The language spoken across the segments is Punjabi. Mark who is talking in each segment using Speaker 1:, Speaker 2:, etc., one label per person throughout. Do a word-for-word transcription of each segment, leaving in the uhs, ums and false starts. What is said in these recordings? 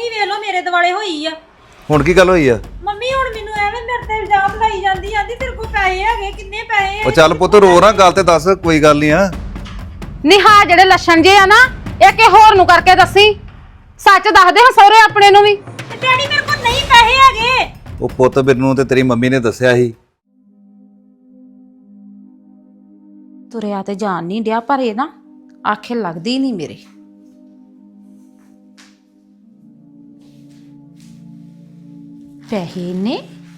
Speaker 1: ਮੰਮੀ ਵੇਖ ਲਓ ਮੇਰੇ ਦਿਵਾਲੇ ਹੋਈ ਆ।
Speaker 2: ਹੁਣ ਕੀ ਗੱਲ ਹੋਈ ਆ?
Speaker 1: ਮੰਮੀ ਹੁਣ ਮੈਨੂੰ ਐਵੇਂ ਮੇਰੇ ਤੇ ਇਲਜ਼ਾਮ ਲਾਈ ਜਾਂਦੀ ਆਂਦੀ ਤੇਰੇ ਕੋਲ ਪੈਸੇ ਹੈਗੇ, ਕਿੰਨੇ ਪੈਸੇ?
Speaker 2: ਉਹ ਚੱਲ ਪੁੱਤ ਰੋ ਨਾ, ਗੱਲ ਤੇ ਦੱਸ, ਕੋਈ ਗੱਲ ਨਹੀਂ ਆ।
Speaker 3: ਨਿਹਾ ਜਿਹੜੇ ਲੱਛਣ ਜੇ ਆ ਨਾ ਇਹ ਕਿ ਹੋਰ ਨੂੰ ਕਰਕੇ ਦੱਸੀ, ਸੱਚ ਦੱਸਦੇ ਹਾਂ ਸਹੁਰੇ ਆਪਣੇ ਨੂੰ ਵੀ।
Speaker 1: ਤੇ ਡੈਡੀ ਮੇਰੇ ਕੋਲ ਨਹੀਂ ਪੈਸੇ ਹੈਗੇ।
Speaker 2: ਉਹ ਪੁੱਤ ਮੈਨੂੰ ਤੇ ਤੇਰੀ ਮੰਮੀ ਨੇ ਦੱਸਿਆ ਸੀ।
Speaker 3: ਤੁਰਿਆ ਤੇ ਜਾਣ ਨਹੀਂ ਡਿਆ, ਪਰ ਇਹ ਨਾ ਆਖੇ ਲੱਗਦੀ ਨਹੀਂ ਮੇਰੇ। ਪੈਸੇ ਨੇ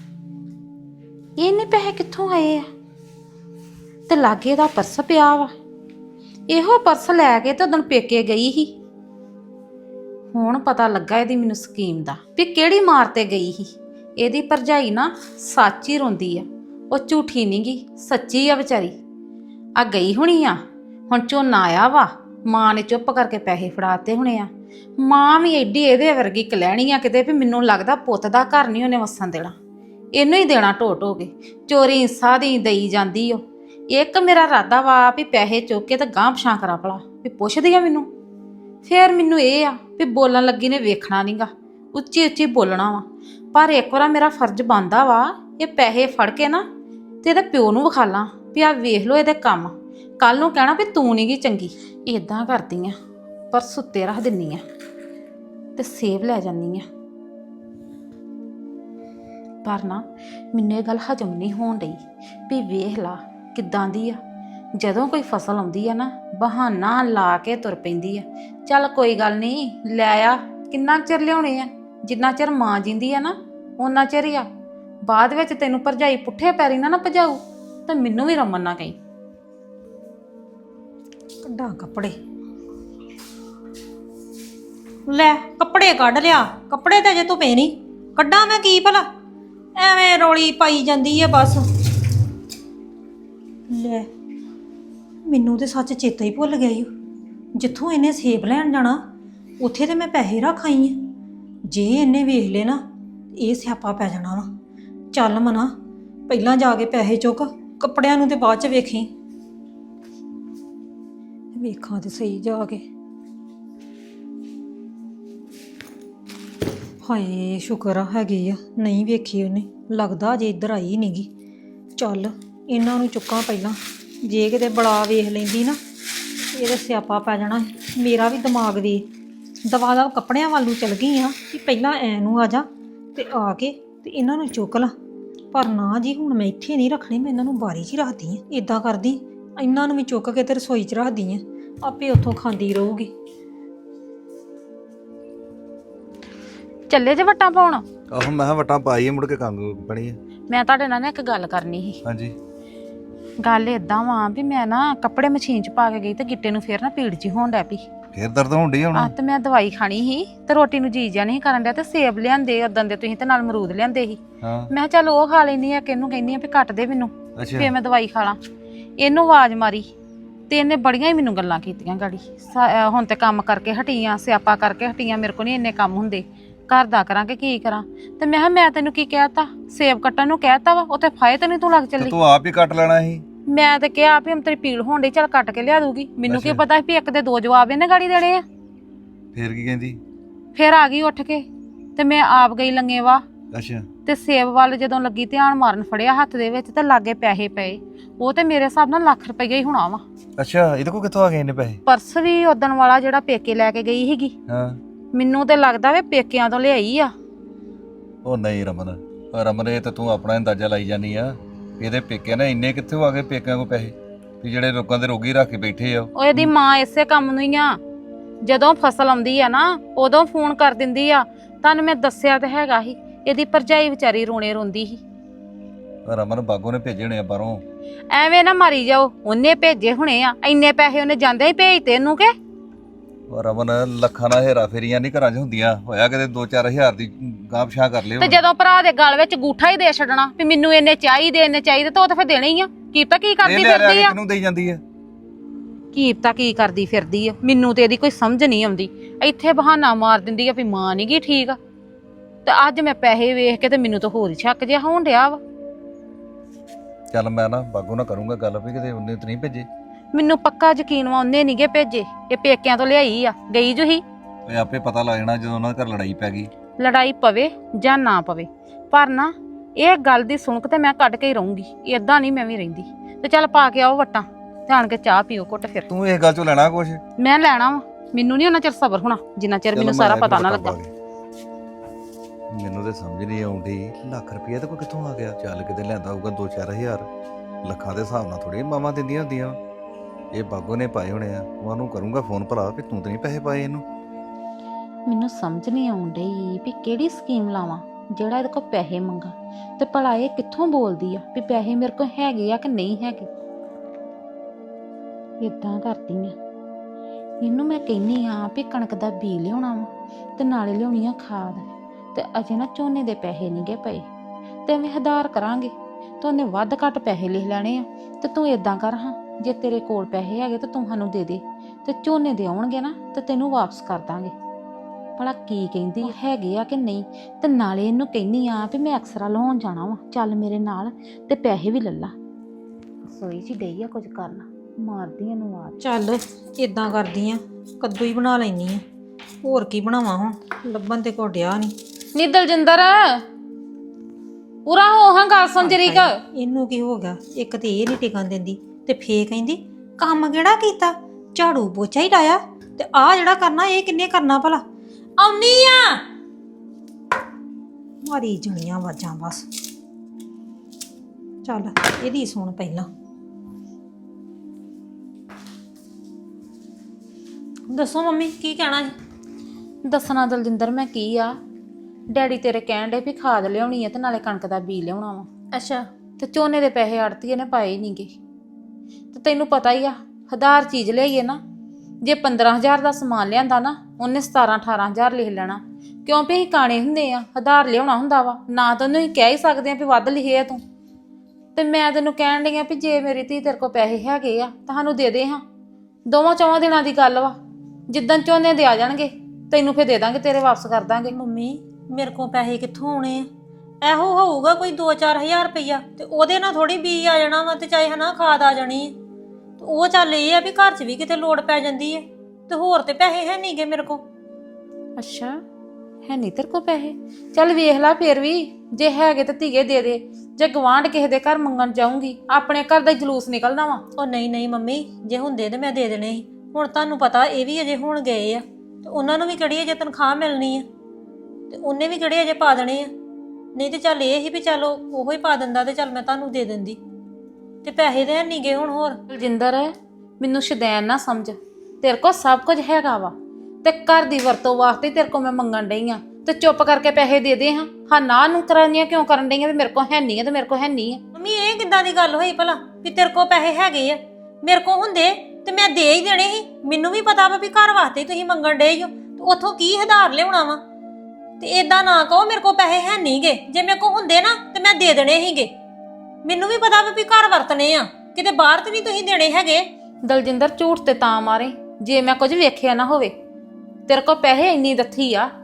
Speaker 3: ਇਹਨੇ ਪੈਸੇ ਕਿੱਥੋਂ ਆਏ ਆ? ਤੇ ਲਾਗੇ ਦਾ ਪਰਸ ਪਿਆ ਵਾ, ਇਹੋ ਪਰਸ ਲੈ ਕੇ ਤੇ ਉਦੋਂ ਪੇਕੇ ਗਈ ਸੀ। ਹੁਣ ਪਤਾ ਲੱਗਾ ਇਹਦੀ ਮੈਨੂੰ ਸਕੀਮ ਦਾ ਵੀ ਕਿਹੜੀ ਮਾਰ ਤੇ ਗਈ ਸੀ। ਇਹਦੀ ਭਰਜਾਈ ਨਾ ਸੱਚ ਹੀ ਰੋਂਦੀ ਆ, ਉਹ ਝੂਠੀ ਨਹੀਂ ਗੀ, ਸੱਚੀ ਆ ਵਿਚਾਰੀ। ਆ ਗਈ ਹੋਣੀ ਆ, ਹੁਣ ਝੋਨਾ ਆਇਆ ਵਾ, ਮਾਂ ਨੇ ਚੁੱਪ ਕਰਕੇ ਪੈਸੇ ਫੜਾਤੇ ਹੋਣੇ ਆ। ਮਾਂ ਵੀ ਐਡੀ ਇਹਦੇ ਵਰਗੀ ਕਲੈਣੀ ਆ ਕਿਤੇ ਵੀ ਮੈਨੂੰ ਲੱਗਦਾ ਪੁੱਤ ਦਾ ਘਰ ਨਹੀਂ ਉਹਨੇ ਵਸਣ ਦੇਣਾ, ਇਹਨੂੰ ਹੀ ਦੇਣਾ ਢੋ ਢੋ ਕੇ। ਚੋਰੀ ਹਿੱਸਾ ਦੀ ਦੇਈ ਜਾਂਦੀ ਓ। ਇੱਕ ਮੇਰਾ ਇਰਾਦਾ ਵਾ ਵੀ ਪੈਸੇ ਚੁੱਕ ਕੇ ਤੇ ਗਾਂਹ ਪਛਾਂ ਕਰਾ ਭਲਾ ਵੀ ਪੁੱਛਦੀ ਆ ਮੈਨੂੰ। ਫੇਰ ਮੈਨੂੰ ਇਹ ਆ ਵੀ ਬੋਲਣ ਲੱਗੀ ਨੇ ਵੇਖਣਾ ਨਹੀਂਗਾ, ਉੱਚੀ ਉੱਚੀ ਬੋਲਣਾ ਵਾ। ਪਰ ਇੱਕ ਵਾਰ ਮੇਰਾ ਫਰਜ਼ ਬਣਦਾ ਵਾ ਇਹ ਪੈਸੇ ਫੜ ਕੇ ਨਾ ਤੇ ਇਹਦੇ ਪਿਓ ਨੂੰ ਵਿਖਾਲਾਂ ਵੀ ਆ ਵੇਖ ਲਓ ਇਹਦੇ ਕੰਮ। ਕੱਲ ਨੂੰ ਕਹਿਣਾ ਵੀ ਤੂੰ ਨੀ ਗੀ ਚੰਗੀ। ਇਦਾਂ ਕਰਦੀ ਆ, ਪਰਸ ਉੱਤੇ ਰੱਖ ਦਿੰਨੀ ਆ ਤੇ ਸੇਬ ਲੈ ਜਾਂਦੀ ਆ। ਪਰ ਨਾ ਮੈਨੂੰ ਇਹ ਗੱਲ ਹਜਮ ਨਹੀਂ ਹੋਣ ਡਈ ਵੀ ਵੇਖ ਲਾ ਕਿੱਦਾਂ ਦੀ ਆ। ਜਦੋਂ ਕੋਈ ਫਸਲ ਆਉਂਦੀ ਆ ਨਾ ਬਹਾਨਾ ਲਾ ਕੇ ਤੁਰ ਪੈਂਦੀ ਆ। ਚੱਲ ਕੋਈ ਗੱਲ ਨਹੀਂ, ਲੈ ਆ। ਕਿੰਨਾ ਚਿਰ ਲਿਆਉਣੇ ਆ? ਜਿੰਨਾ ਚਿਰ ਮਾਂ ਜਿੰਦੀ ਆ ਨਾ ਓਨਾ ਚਿਰ ਹੀ ਆ। ਬਾਅਦ ਵਿੱਚ ਤੈਨੂੰ ਭਰਜਾਈ ਪੁੱਠੇ ਪੈਰੀ ਨਾ ਨਾ ਭਜਾਊ ਤਾਂ ਮੈਨੂੰ ਵੀ ਰਮਨ ਨਾ ਕਹੀਂ।
Speaker 1: ਕੱਢਾਂ ਕੱਪੜੇ, ਲੈ ਕੱਪੜੇ ਕੱਢ ਲਿਆ। ਕੱਪੜੇ ਤੇ ਅਜੇ ਧੁੱਪੇ ਨਹੀਂ, ਕੱਢਾਂ ਮੈਂ ਕੀ ਭਲਾ? ਐਵੇਂ ਰੋਲੀ ਪਾਈ ਜਾਂਦੀ ਆ ਬਸ। ਲੈ ਮੈਨੂੰ ਤੇ ਸੱਚ ਚੇਤਾ ਹੀ ਭੁੱਲ ਗਿਆ ਈ। ਜਿੱਥੋਂ ਇਹਨੇ ਸੇਬ ਲੈਣ ਜਾਣਾ ਉੱਥੇ ਤੇ ਮੈਂ ਪੈਸੇ ਰੱਖ ਆਈ ਆ। ਜੇ ਇਹਨੇ ਵੇਖ ਲਏ ਨਾ ਇਹ ਸਿਆਪਾ ਪੈ ਜਾਣਾ ਵਾ। ਚੱਲ ਮਨਾ, ਪਹਿਲਾਂ ਜਾ ਕੇ ਪੈਸੇ ਚੁੱਕ, ਕੱਪੜਿਆਂ ਨੂੰ ਤੇ ਬਾਅਦ ਚ ਵੇਖੀ। ਵੇਖਾਂ ਤੇ ਸਹੀ ਜਾ ਕੇ। ਹਾਏ ਸ਼ੁਕਰ ਆ ਹੈਗੀ ਆ, ਨਹੀਂ ਵੇਖੀ ਉਹਨੇ। ਲੱਗਦਾ ਜੇ ਇੱਧਰ ਆਈ ਨੀ ਗੀ। ਚੱਲ ਇਹਨਾਂ ਨੂੰ ਚੁੱਕਾਂ ਪਹਿਲਾਂ, ਜੇ ਕਿਤੇ ਬੜਾ ਵੇਖ ਲੈਂਦੀ ਨਾ ਇਹਦੇ ਸਿਆਪਾ ਪੈ ਜਾਣਾ। ਮੇਰਾ ਵੀ ਦਿਮਾਗ ਦੇ ਦਵਾ ਦਵ ਕੱਪੜਿਆਂ ਵੱਲ ਨੂੰ ਚਲ ਗਈ ਆ ਕਿ ਪਹਿਲਾਂ ਐ ਨੂੰ ਆ ਜਾ ਤੇ ਆ ਕੇ ਤੇ ਇਹਨਾਂ ਨੂੰ ਚੁੱਕ ਲਾ। ਪਰ ਨਾ ਜੀ, ਹੁਣ ਮੈਂ ਇੱਥੇ ਨਹੀਂ ਰੱਖਣੀ, ਮੈਂ ਇਹਨਾਂ ਨੂੰ ਬਾਰੀ 'ਚ ਹੀ ਰੱਖਦੀ ਆ। ਇਦਾਂ ਕਰਦੀ ਇਹਨਾਂ ਨੂੰ ਵੀ ਚੁੱਕ ਕੇ ਤੇ ਰਸੋਈ 'ਚ ਰੱਖਦੀ ਆ, ਆਪੇ ਉੱਥੋਂ ਖਾਂਦੀ ਰਹੂਗੀ।
Speaker 3: ਚੱਲੇ ਜੇ ਵੱਟਾਂ ਪਾਉਣ?
Speaker 2: ਆਹੋ ਮੈਂ ਕਿਹਾ ਵਟਾਂ ਪਾਈ ਮੁੜ ਕੇ ਕੰਗ ਬਣੀ ਆ।
Speaker 3: ਮੈਂ ਤੁਹਾਡੇ ਨਾਲ ਨਾ ਇੱਕ ਗੱਲ ਕਰਨੀ ਸੀ।
Speaker 2: ਹਾਂਜੀ।
Speaker 3: ਗੱਲ ਇਦਾਂ ਵਾ ਵੀ ਮੈਂ ਨਾ ਕੱਪੜੇ ਮਸ਼ੀਨ 'ਚ ਪਾ ਕੇ ਗਈ ਤੇ ਗਿੱਟੇ ਨੂੰ ਫੇਰ ਨਾ ਪੀੜ ਜੀ ਹੋਣ ਡੈ ਪਈ।
Speaker 2: ਫੇਰ ਦਰਦ ਹੋਣ ਡਈ ਹੁਣ?
Speaker 3: ਆ ਤੇ ਮੈਂ ਦਵਾਈ ਖਾਣੀ ਸੀ ਤੇ ਰੋਟੀ ਨੂੰ ਜੀ ਜਾ ਨਹੀਂ ਕਰਨ ਡਿਆ ਤੇ ਸੇਬ ਲਿਆਂਦੇ ਉਦੋਂ ਦੇ ਤੁਸੀਂ ਤੇ ਨਾਲ ਅਮਰੂਦ ਲਿਆਂਦੇ ਸੀ।
Speaker 2: ਹਾਂ
Speaker 3: ਮੈਂ ਚੱਲ ਉਹ ਖਾ ਲੈਣੀ ਆ। ਕਿਹਨੂੰ ਕਹਿੰਦੀ ਆ ਵੀ ਕੱਟ ਦੇ ਮੈਨੂੰ, ਫੇਰ ਮੈਂ ਦਵਾਈ ਖਾ ਲਾਂ। ਇਹਨੂੰ ਆਵਾਜ਼ ਮਾਰੀ ਤੇ ਇਹਨੇ ਬੜੀਆਂ ਹੀ ਮੈਨੂੰ ਗੱਲਾਂ ਕੀਤੀਆਂ ਗਾੜੀ। ਹੁਣ ਤੇ ਕੰਮ ਕਰਕੇ ਹਟੀਆਂ, ਸਿਆਪਾ ਕਰਕੇ ਹਟੀਆਂ, ਮੇਰੇ ਕੋਲ ਨਹੀਂ ਇੰਨੇ ਕੰਮ ਹੁੰਦੇ, ਘਰ ਦਾ ਕਰਾਂਗੇ ਕੀ ਕਰਾਂ। ਤੇ ਮੈਂ ਕਿਹਾ ਮੈਂ ਤੈਨੂੰ ਕੀ ਕਹਿਤਾ, ਸੇਬ ਕੱਟਣ ਨੂੰ ਕਹਿਤਾ ਵਾ, ਉੱਥੇ ਫਾਇ ਤੇ ਨਹੀਂ ਤੂੰ ਲੱਗ ਚੱਲੀ।
Speaker 2: ਤੂੰ ਆਪ ਹੀ ਕੱਟ ਲੈਣਾ ਸੀ।
Speaker 3: ਮੈਂ ਤੇ ਕਿਹਾ ਵੀ ਹਮ ਤੇਰੀ ਪੀੜ ਹੋਣ ਡਈ, ਚੱਲ ਕੱਟ ਕੇ ਲਿਆ ਦੂਗੀ। ਮੈਨੂੰ ਕੀ ਪਤਾ ਵੀ ਇੱਕ ਦੇ ਦੋ ਜਵਾਬ ਇਹਨੇ ਗਾੜੀ ਦੇਣੇ ਆ।
Speaker 2: ਫੇਰ ਕੀ ਕਹਿੰਦੀ?
Speaker 3: ਫੇਰ ਆ ਗਈ ਉੱਠ ਕੇ ਤੇ ਮੈਂ ਆਪ ਗਈ ਲੰਗੇਵਾ।
Speaker 2: ਅੱਛਾ।
Speaker 3: ਤੇ ਸੇਬ ਵੱਲ ਜਦੋਂ ਲੱਗੀ ਧਿਆਨ ਮਾਰਨ, ਫੜਿਆ ਹੱਥ ਦੇ ਵਿੱਚ ਤੇ ਲਾਗੇ ਪੈਸੇ ਪਏ। ਉਹ ਤੇ ਮੇਰੇ ਹਿਸਾਬ ਨਾਲ ਲੱਖ ਰੁਪਈਆ ਹੀ ਹੋਣਾ ਵਾ।
Speaker 2: ਅੱਛਾ, ਇਹਦੇ ਕੋਲ ਕਿੱਥੋਂ ਆ ਗਏ ਇਹਨੇ ਪੈਸੇ?
Speaker 3: ਪਰਸ ਵੀ ਉਦਣ ਵਾਲਾ ਜਿਹੜਾ ਪੇਕੇ ਲੈ ਕੇ ਗਈ ਸੀਗੀ।
Speaker 2: ਹਾਂ,
Speaker 3: ਮੈਨੂੰ ਤੇ ਲੱਗਦਾ ਵੇ ਪੇਕਿਆਂ ਤੋਂ ਲਿਆਈ ਆ।
Speaker 2: ਉਹ ਨਹੀਂ ਰਮਨ, ਰਮਨ ਇਹ ਤਾਂ ਤੂੰ ਆਪਣਾ ਅੰਦਾਜ਼ਾ ਲਾਈ ਜਾਨੀ ਆ। ਇਹਦੇ ਪੇਕੇ ਨਾ ਇੰਨੇ ਕਿੱਥੋਂ ਆ ਗਏ ਪੇਕਿਆਂ ਕੋਲ ਪੈਸੇ ਵੀ ਜਿਹੜੇ ਲੋਕਾਂ ਦੇ ਰੋਗੀ ਰੱਖ ਕੇ ਬੈਠੇ ਆ। ਉਹ
Speaker 3: ਇਹਦੀ ਮਾਂ ਇਸੇ ਕੰਮ ਨੂੰ ਹੀ ਆ। ਜਦੋਂ ਫਸਲ ਆਉਂਦੀ ਆ ਨਾ ਉਦੋਂ ਫੋਨ ਕਰ ਦਿੰਦੀ ਆ। ਤੁਹਾਨੂੰ ਮੈਂ ਦੱਸਿਆ ਤਾਂ ਹੈਗਾ ਸੀ, ਇਹਦੀ ਭਰਜਾਈ ਵਿਚਾਰੀ ਰੋਣੇ ਰੋਂਦੀ ਸੀ।
Speaker 2: ਰਮਨ ਬਾਗੋ ਨੇ ਭੇਜੇ ਹੋਣੇ ਆ ਬਾਹਰੋਂ।
Speaker 3: ਐਵੇਂ ਨਾ ਮਾਰੀ ਜਾਓ, ਉਹਨੇ ਭੇਜੇ ਹੋਣੇ ਆ। ਇੰਨੇ ਪੈਸੇ ਉਹਨੇ ਜਾਂਦੇ ਹੀ ਭੇਜਤੇ ਇਹਨੂੰ ਕਿ।
Speaker 2: ਰਮਨ ਲੱਖਾਂ ਨਾਲ ਹੇਰਾ ਫੇਰੀਆਂ ਨਹੀਂ ਘਰਾਂ 'ਚ ਹੁੰਦੀਆਂ। ਹੋਇਆ ਕਿਤੇ ਦੋ ਚਾਰ ਹਜ਼ਾਰ ਦੀ ਗਾਂਹ ਪਛਾਂ ਕਰ ਲਿਓ।
Speaker 3: ਤੇ ਜਦੋਂ ਭਰਾ ਦੇ ਗਲ ਵਿੱਚ ਗੂਠਾ ਹੀ ਦੇ ਛੱਡਣਾ ਵੀ ਮੈਨੂੰ ਇੰਨੇ ਚਾਹੀਦੇ ਇੰਨੇ ਚਾਹੀਦੇ ਤਾਂ ਉਹ ਤਾਂ ਫਿਰ ਦੇਣੇ ਹੀ ਆ। ਕੀਪਤਾ ਕੀ ਕਰਦੀ ਫਿਰਦੀ ਆ?
Speaker 2: ਕਿਹਨੂੰ ਦੇਈ ਜਾਂਦੀ ਆ?
Speaker 3: ਕੀਪਤਾ ਕੀ ਕਰਦੀ ਫਿਰਦੀ ਆ? ਮੈਨੂੰ ਤੇ ਇਹਦੀ ਕੋਈ ਸਮਝ ਨਹੀਂ ਆਉਂਦੀ। ਇੱਥੇ ਬਹਾਨਾ ਮਾਰ ਦਿੰਦੀ ਆ ਵੀ ਮਾਂ ਨੀ ਗੀ ਠੀਕ ਆ, ਤੇ ਅੱਜ ਮੈਂ ਪੈਸੇ ਵੇਖ ਕੇ ਤੇ ਮੈਨੂੰ ਤਾਂ ਹੋਰ ਹੀ ਸ਼ੱਕ ਜਿਹਾ ਹੋਣ ਡਿਆ ਵਾ।
Speaker 2: ਚੱਲ ਮੈਂ ਨਾ ਬਾਗੋ ਨਾਲ ਕਰੂੰਗਾ ਗੱਲ ਵੀ ਕਿਤੇ ਉਹਨੇ ਤਾਂ ਨਹੀਂ ਭੇਜੇ।
Speaker 3: ਮੈਨੂੰ ਪੱਕਾ ਯਕੀਨ ਵਾ ਉਹਨੇ ਨੀਗੇ ਭੇਜੇ। ਇਹ ਪੇਕਿਆਂ ਤੋਂ ਲਿਆਈ ਆ, ਗਈ ਜੂ ਹੀ
Speaker 2: ਓਏ ਆਪੇ ਪਤਾ ਲੱਗ ਜਾਣਾ ਜਦੋਂ ਉਹਨਾਂ ਦੇ ਘਰ ਲੜਾਈ ਪੈ ਗਈ।
Speaker 3: ਲੜਾਈ ਪਵੇ ਜਾਂ ਨਾ ਪਵੇ, ਪਰ ਨਾ ਇਹ ਗੱਲ ਦੀ ਸੁਣਕ ਤੇ ਮੈਂ ਕੱਢ ਕੇ ਹੀ ਰਹੂੰਗੀ। ਏਦਾਂ ਨਹੀਂ ਮੈਂ ਵੀ ਰਹਿੰਦੀ। ਤੇ ਚੱਲ ਪਾ ਕੇ ਆਓ ਵਟਾਂ, ਧਿਆਨ ਕੇ ਚਾਹ ਪੀਓ ਘੁੱਟ। ਫਿਰ
Speaker 2: ਤੂੰ ਇਹ ਗੱਲ ਚੋਂ ਲੈਣਾ ਕੁਛ?
Speaker 3: ਮੈਂ ਲੈਣਾ ਵਾ, ਮੈਨੂੰ ਨਹੀਂ ਉਹਨਾਂ ਚਿਰ ਸਬਰ ਹੋਣਾ ਜਿੰਨਾ ਚਿਰ ਮੈਨੂੰ ਸਾਰਾ ਪਤਾ ਨਾ ਲੱਗਾ।
Speaker 2: ਮੈਨੂੰ ਤੇ ਸਮਝ ਨਹੀਂ ਆਉਂਦੀ, ਲੱਖ ਰੁਪਇਆ ਤੇ ਕੋਈ ਕਿੱਥੋਂ ਆ ਗਿਆ? ਚੱਲ ਕਿਤੇ ਲਿਆਂਦਾ ਹੋਊਗਾ ਦੋ ਚਾਰ ਹਜ਼ਾਰ। ਲੱਖਾਂ ਦੇ ਹਿਸਾਬ ਨਾਲ ਥੋੜੀ ਮਾਵਾਂ ਦਿੰਦੀਆਂ ਹੁੰਦੀਆਂ। ਇਹ ਬਾਗੋ ਨੇ ਪਾਏ ਹੋਣੇ ਆ। ਉਹਨੂੰ ਕਰੂੰਗਾ ਫੋਨ ਭਲਾ ਵੀ ਤੂੰ ਤੇ ਨਹੀਂ ਪੈਸੇ ਪਾਏ ਇਹਨੂੰ।
Speaker 3: ਮੈਨੂੰ ਸਮਝ ਨਹੀਂ ਆਉਣ ਡਈ ਵੀ ਕਿਹੜੀ ਸਕੀਮ ਲਾਵਾਂ ਜਿਹੜਾ ਇਹਦੇ ਕੋਲ ਪੈਸੇ ਮੰਗਾ। ਤੇ ਭਲਾ ਇਹ ਕਿੱਥੋਂ ਬੋਲਦੀ ਆ ਵੀ ਪੈਸੇ ਮੇਰੇ ਕੋਲ ਹੈਗੇ ਆ ਕਿ ਨਹੀਂ ਹੈਗੇ। ਇਦਾਂ ਕਰਦੀ ਆ, ਇਹਨੂੰ ਮੈਂ ਕਹਿੰਨੀ ਆ ਵੀ ਕਣਕ ਦਾ ਬੀਜ ਲਿਆਉਣਾ ਵਾ ਤੇ ਨਾਲੇ ਲਿਆਉਣੀ ਆ ਖਾਦ। ਤੇ ਅਜੇ ਨਾ ਝੋਨੇ ਦੇ ਪੈਸੇ ਨਹੀਂ ਗੇ ਪਏ ਤੇ ਐਵੇਂ ਹਦਾਰ ਕਰਾਂਗੇ ਤੇ ਉਹਨੇ ਵੱਧ ਘੱਟ ਪੈਸੇ ਲਿਖ ਲੈਣੇ ਆ। ਤੇ ਤੂੰ ਇਦਾਂ ਕਰ ਹਾਂ, ਜੇ ਤੇਰੇ ਕੋਲ ਪੈਸੇ ਹੈਗੇ ਤਾਂ ਤੂੰ ਸਾਨੂੰ ਦੇ ਦੇ, ਤੇ ਝੋਨੇ ਦੇ ਆਉਣਗੇ ਨਾ ਤੇ ਤੈਨੂੰ ਵਾਪਸ ਕਰ ਦਾਂਗੇ। ਭਲਾ ਕੀ ਕਹਿੰਦੀ ਹੈਗੇ ਆ ਕਿ ਨਹੀਂ। ਤੇ ਨਾਲੇ ਇਹਨੂੰ ਕਹਿੰਨੀ ਆ ਵੀ ਮੈਂ ਐਕਸਰਾ ਲਾਉਣ ਜਾਣਾ ਵਾ, ਚੱਲ ਮੇਰੇ ਨਾਲ ਤੇ ਪੈਸੇ ਵੀ ਲੱਲਾ। ਸੋਈ ਚ ਡਈ ਆ ਕੁਝ ਕਰਨਾ, ਮਾਰਦੀ ਆ ਨੂੰ ਆ।
Speaker 1: ਚੱਲ ਇਦਾਂ ਕਰਦੀ ਆ, ਕੱਦੂ ਹੀ ਬਣਾ ਲੈਣੀ ਆ। ਹੋਰ ਕੀ ਬਣਾਵਾਂ ਹੁਣ, ਲੱਭਣ ਤੇ ਕੋ ਡਿਆ ਨਹੀਂ।
Speaker 3: ਨੀ ਦਲਜਿੰਦਰ ਪੂਰਾ ਹੋ ਹਾਂ ਗੱਲ ਸੁਣ ਜਰੀਕ।
Speaker 1: ਇਹਨੂੰ ਕੀ ਹੋ ਗਿਆ? ਇੱਕ ਤੇ ਇਹ ਨਹੀਂ ਟਿਕਣ ਦਿੰਦੀ ਤੇ ਫੇਰ ਕਹਿੰਦੀ ਕੰਮ ਕਿਹੜਾ ਕੀਤਾ, ਝਾੜੂ ਪੋਚਾ ਹੀ ਲਾਇਆ। ਤੇ ਆ ਜਿਹੜਾ ਕਰਨਾ ਇਹ ਕਿੰਨੇ ਕਰਨਾ ਭਲਾ? ਆਉਣੀ ਆ, ਮਾਰੀ ਜਣੀਆਂ ਆਵਾਜ਼ਾਂ ਬਸ। ਚੱਲ ਇਹਦੀ ਸੁਣ ਪਹਿਲਾਂ। ਦੱਸੋ ਮੰਮੀ ਕੀ ਕਹਿਣਾ ਹੈ?
Speaker 3: ਦੱਸਣਾ ਦਲਜਿੰਦਰ ਮੈਂ ਕੀ ਆ, ਡੈਡੀ ਤੇਰੇ ਕਹਿਣ ਡੇ ਵੀ ਖਾਦ ਲਿਆਉਣੀ ਆ ਤੇ ਨਾਲੇ ਕਣਕ ਦਾ ਬੀਜ ਲਿਆਉਣਾ ਵਾ।
Speaker 1: ਅੱਛਾ।
Speaker 3: ਤੇ ਝੋਨੇ ਦੇ ਪੈਸੇ ਆੜਤੀਏ ਨੇ ਪਾਏ ਨਹੀਂਗੇ। ਤੇ ਤੈਨੂੰ ਪਤਾ ਹੀ ਆ ਹਜ਼ਾਰ ਚੀਜ਼ ਲਿਆਈਏ ਨਾ, ਜੇ ਪੰਦਰਾਂ ਹਜ਼ਾਰ ਦਾ ਸਮਾਨ ਲਿਆਂਦਾ ਨਾ ਉਹਨੇ ਸਤਾਰਾਂ ਅਠਾਰਾਂ ਹਜ਼ਾਰ ਲਿਖ ਲੈਣਾ। ਕਿਉਂ ਵੀ ਅਸੀਂ ਕਾਣੇ ਹੁੰਦੇ ਆ, ਹਜ਼ਾਰ ਲਿਆਉਣਾ ਹੁੰਦਾ ਵਾ ਨਾ। ਤਾਂ ਉਹਨੂੰ ਅਸੀਂ ਕਹਿ ਹੀ ਸਕਦੇ ਆ ਵੀ ਵੱਧ ਲਿਖੇ ਆ ਤੂੰ। ਤੇ ਮੈਂ ਤੈਨੂੰ ਕਹਿਣ ਡਈ ਆ ਵੀ ਜੇ ਮੇਰੀ ਧੀ ਤੇਰੇ ਕੋਲ ਪੈਸੇ ਹੈਗੇ ਆ ਤੁਹਾਨੂੰ ਦੇ ਦੇ ਹਾਂ। ਦੋਵਾਂ ਚੌਵਾਂ ਦਿਨਾਂ ਦੀ ਗੱਲ ਵਾ, ਜਿੱਦਣ ਝੋਨੇ ਦੇ ਆ ਜਾਣਗੇ ਤੈਨੂੰ ਫਿਰ ਦੇ ਦਾਂਗੇ, ਤੇਰੇ ਵਾਪਸ ਕਰ ਦਾਂਗੇ।
Speaker 1: ਮੰਮੀ ਮੇਰੇ ਕੋਲ ਪੈਸੇ ਕਿੱਥੋਂ ਆਉਣੇ ਆ? ਇਹੋ ਹੋਊਗਾ ਕੋਈ ਦੋ ਚਾਰ ਹਜ਼ਾਰ ਰੁਪਈਆ, ਤੇ ਉਹਦੇ ਨਾਲ ਥੋੜੀ ਬੀਜ ਆ ਜਾਣਾ ਵਾ ਤੇ ਚਾਹੇ ਹਨਾ ਖਾਦ ਆ ਜਾਣੀ ਹੈ। ਤੇ ਉਹ ਚੱਲ ਇਹ ਆ ਵੀ ਘਰ 'ਚ ਵੀ ਕਿਤੇ ਲੋੜ ਪੈ ਜਾਂਦੀ ਹੈ। ਤੇ ਹੋਰ ਤੇ ਪੈਸੇ ਹੈ ਨਹੀਂਗੇ ਮੇਰੇ ਕੋਲ।
Speaker 3: ਅੱਛਾ ਹੈ ਨਹੀਂ ਤੇਰੇ ਕੋਲ ਪੈਸੇ? ਚੱਲ ਵੇਖ ਲੈ, ਫੇਰ ਵੀ ਜੇ ਹੈਗੇ ਤਾਂ ਧੀਏ ਦੇ ਦੇ। ਜੇ ਗਵਾਂਢ ਕਿਸੇ ਦੇ ਘਰ ਮੰਗਣ ਜਾਊਂਗੀ ਆਪਣੇ ਘਰ ਦਾ ਹੀ ਜਲੂਸ ਨਿਕਲਣਾ ਵਾ।
Speaker 1: ਉਹ ਨਹੀਂ ਨਹੀਂ ਮੰਮੀ, ਜੇ ਹੁੰਦੇ ਤੇ ਮੈਂ ਦੇ ਦੇਣੇ ਸੀ। ਹੁਣ ਤੁਹਾਨੂੰ ਪਤਾ ਇਹ ਵੀ ਅਜੇ ਹੁਣ ਗਏ ਆ ਤੇ ਉਹਨਾਂ ਨੂੰ ਵੀ ਕਿਹੜੀ ਅਜੇ ਤਨਖਾਹ ਮਿਲਣੀ ਆ, ਤੇ ਉਹਨੇ ਵੀ ਕਿਹੜੇ ਅਜੇ ਪਾ ਦੇਣੇ ਆ। ਨਹੀਂ ਤੇ ਚੱਲ ਇਹ ਹੀ ਵੀ ਚਲੋ ਉਹੋ ਹੀ ਪਾ ਦਿੰਦਾ ਤੇ ਚੱਲ ਮੈਂ ਤੁਹਾਨੂੰ ਦੇ ਦਿੰਦੀ। ਤੇ ਪੈਸੇ ਤੇ ਹੈ ਨਹੀਂ ਗਏ ਹੁਣ ਹੋਰ।
Speaker 3: ਬਲਜਿੰਦਰ ਮੈਨੂੰ ਸ਼ਦੈਨ ਨਾ ਸਮਝ, ਤੇਰੇ ਕੋਲ ਸਭ ਕੁਝ ਹੈਗਾ ਵਾ ਤੇ ਘਰ ਦੀ ਵਰਤੋਂ ਵਾਸਤੇ ਤੇਰੇ ਕੋਲ ਮੈਂ ਮੰਗਣ ਡਈ ਆ। ਤੇ ਚੁੱਪ ਕਰਕੇ ਪੈਸੇ ਦੇ ਦੇ ਹਾਂ। ਹਾਂ ਨਾ ਨੂੰ ਕਰਾਂਦੀਆਂ ਕਿਉਂ ਕਰਨ ਡਈਆਂ ਵੀ ਮੇਰੇ ਕੋਲ ਹੈ ਨਹੀਂ ਆ ਤੇ ਮੇਰੇ ਕੋਲ ਹੈ ਨਹੀਂ ਆ।
Speaker 1: ਮੰਮੀ ਇਹ ਕਿੱਦਾਂ ਦੀ ਗੱਲ ਹੋਈ ਭਲਾ ਵੀ ਤੇਰੇ ਕੋਲ ਪੈਸੇ ਹੈਗੇ ਆ? ਮੇਰੇ ਕੋਲ ਹੁੰਦੇ ਤੇ ਮੈਂ ਦੇ ਹੀ ਦੇਣੇ ਸੀ। ਮੈਨੂੰ ਵੀ ਪਤਾ ਵਾ ਵੀ ਘਰ ਵਾਸਤੇ ਤੁਸੀਂ ਮੰਗਣ ਡੇ ਹੋ, ਤੇ ਉੱਥੋਂ ਕੀ ਹਜ਼ਾਰ ਲਿਆਉਣਾ ਵਾ। ਤੇ ਏਦਾਂ ਨਾ ਕਹੋ ਮੇਰੇ ਕੋਲ ਪੈਸੇ ਹੈ ਨਹੀਂਗੇ। ਜੇ ਮੇਰੇ ਕੋਲ ਹੁੰਦੇ ਨਾ ਤੇ ਮੈਂ ਦੇ ਦੇਣੇ ਸੀਗੇ। ਮੈਨੂੰ ਵੀ ਪਤਾ ਵਾ ਵੀ ਘਰ ਵਰਤਣੇ ਆ, ਕਿਤੇ ਬਾਹਰ ਤੇ ਨਹੀਂ ਤੁਸੀਂ ਦੇਣੇ ਹੈਗੇ।
Speaker 3: ਦਲਜਿੰਦਰ ਝੂਠ ਤੇ ਤਾਂ ਮਾਰੇ ਜੇ ਮੈਂ ਕੁਝ ਵੇਖਿਆ ਨਾ ਹੋਵੇ। ਤੇਰੇ ਕੋਲ ਪੈਸੇ ਇੰਨੀ ਦੱਥੀ ਆ।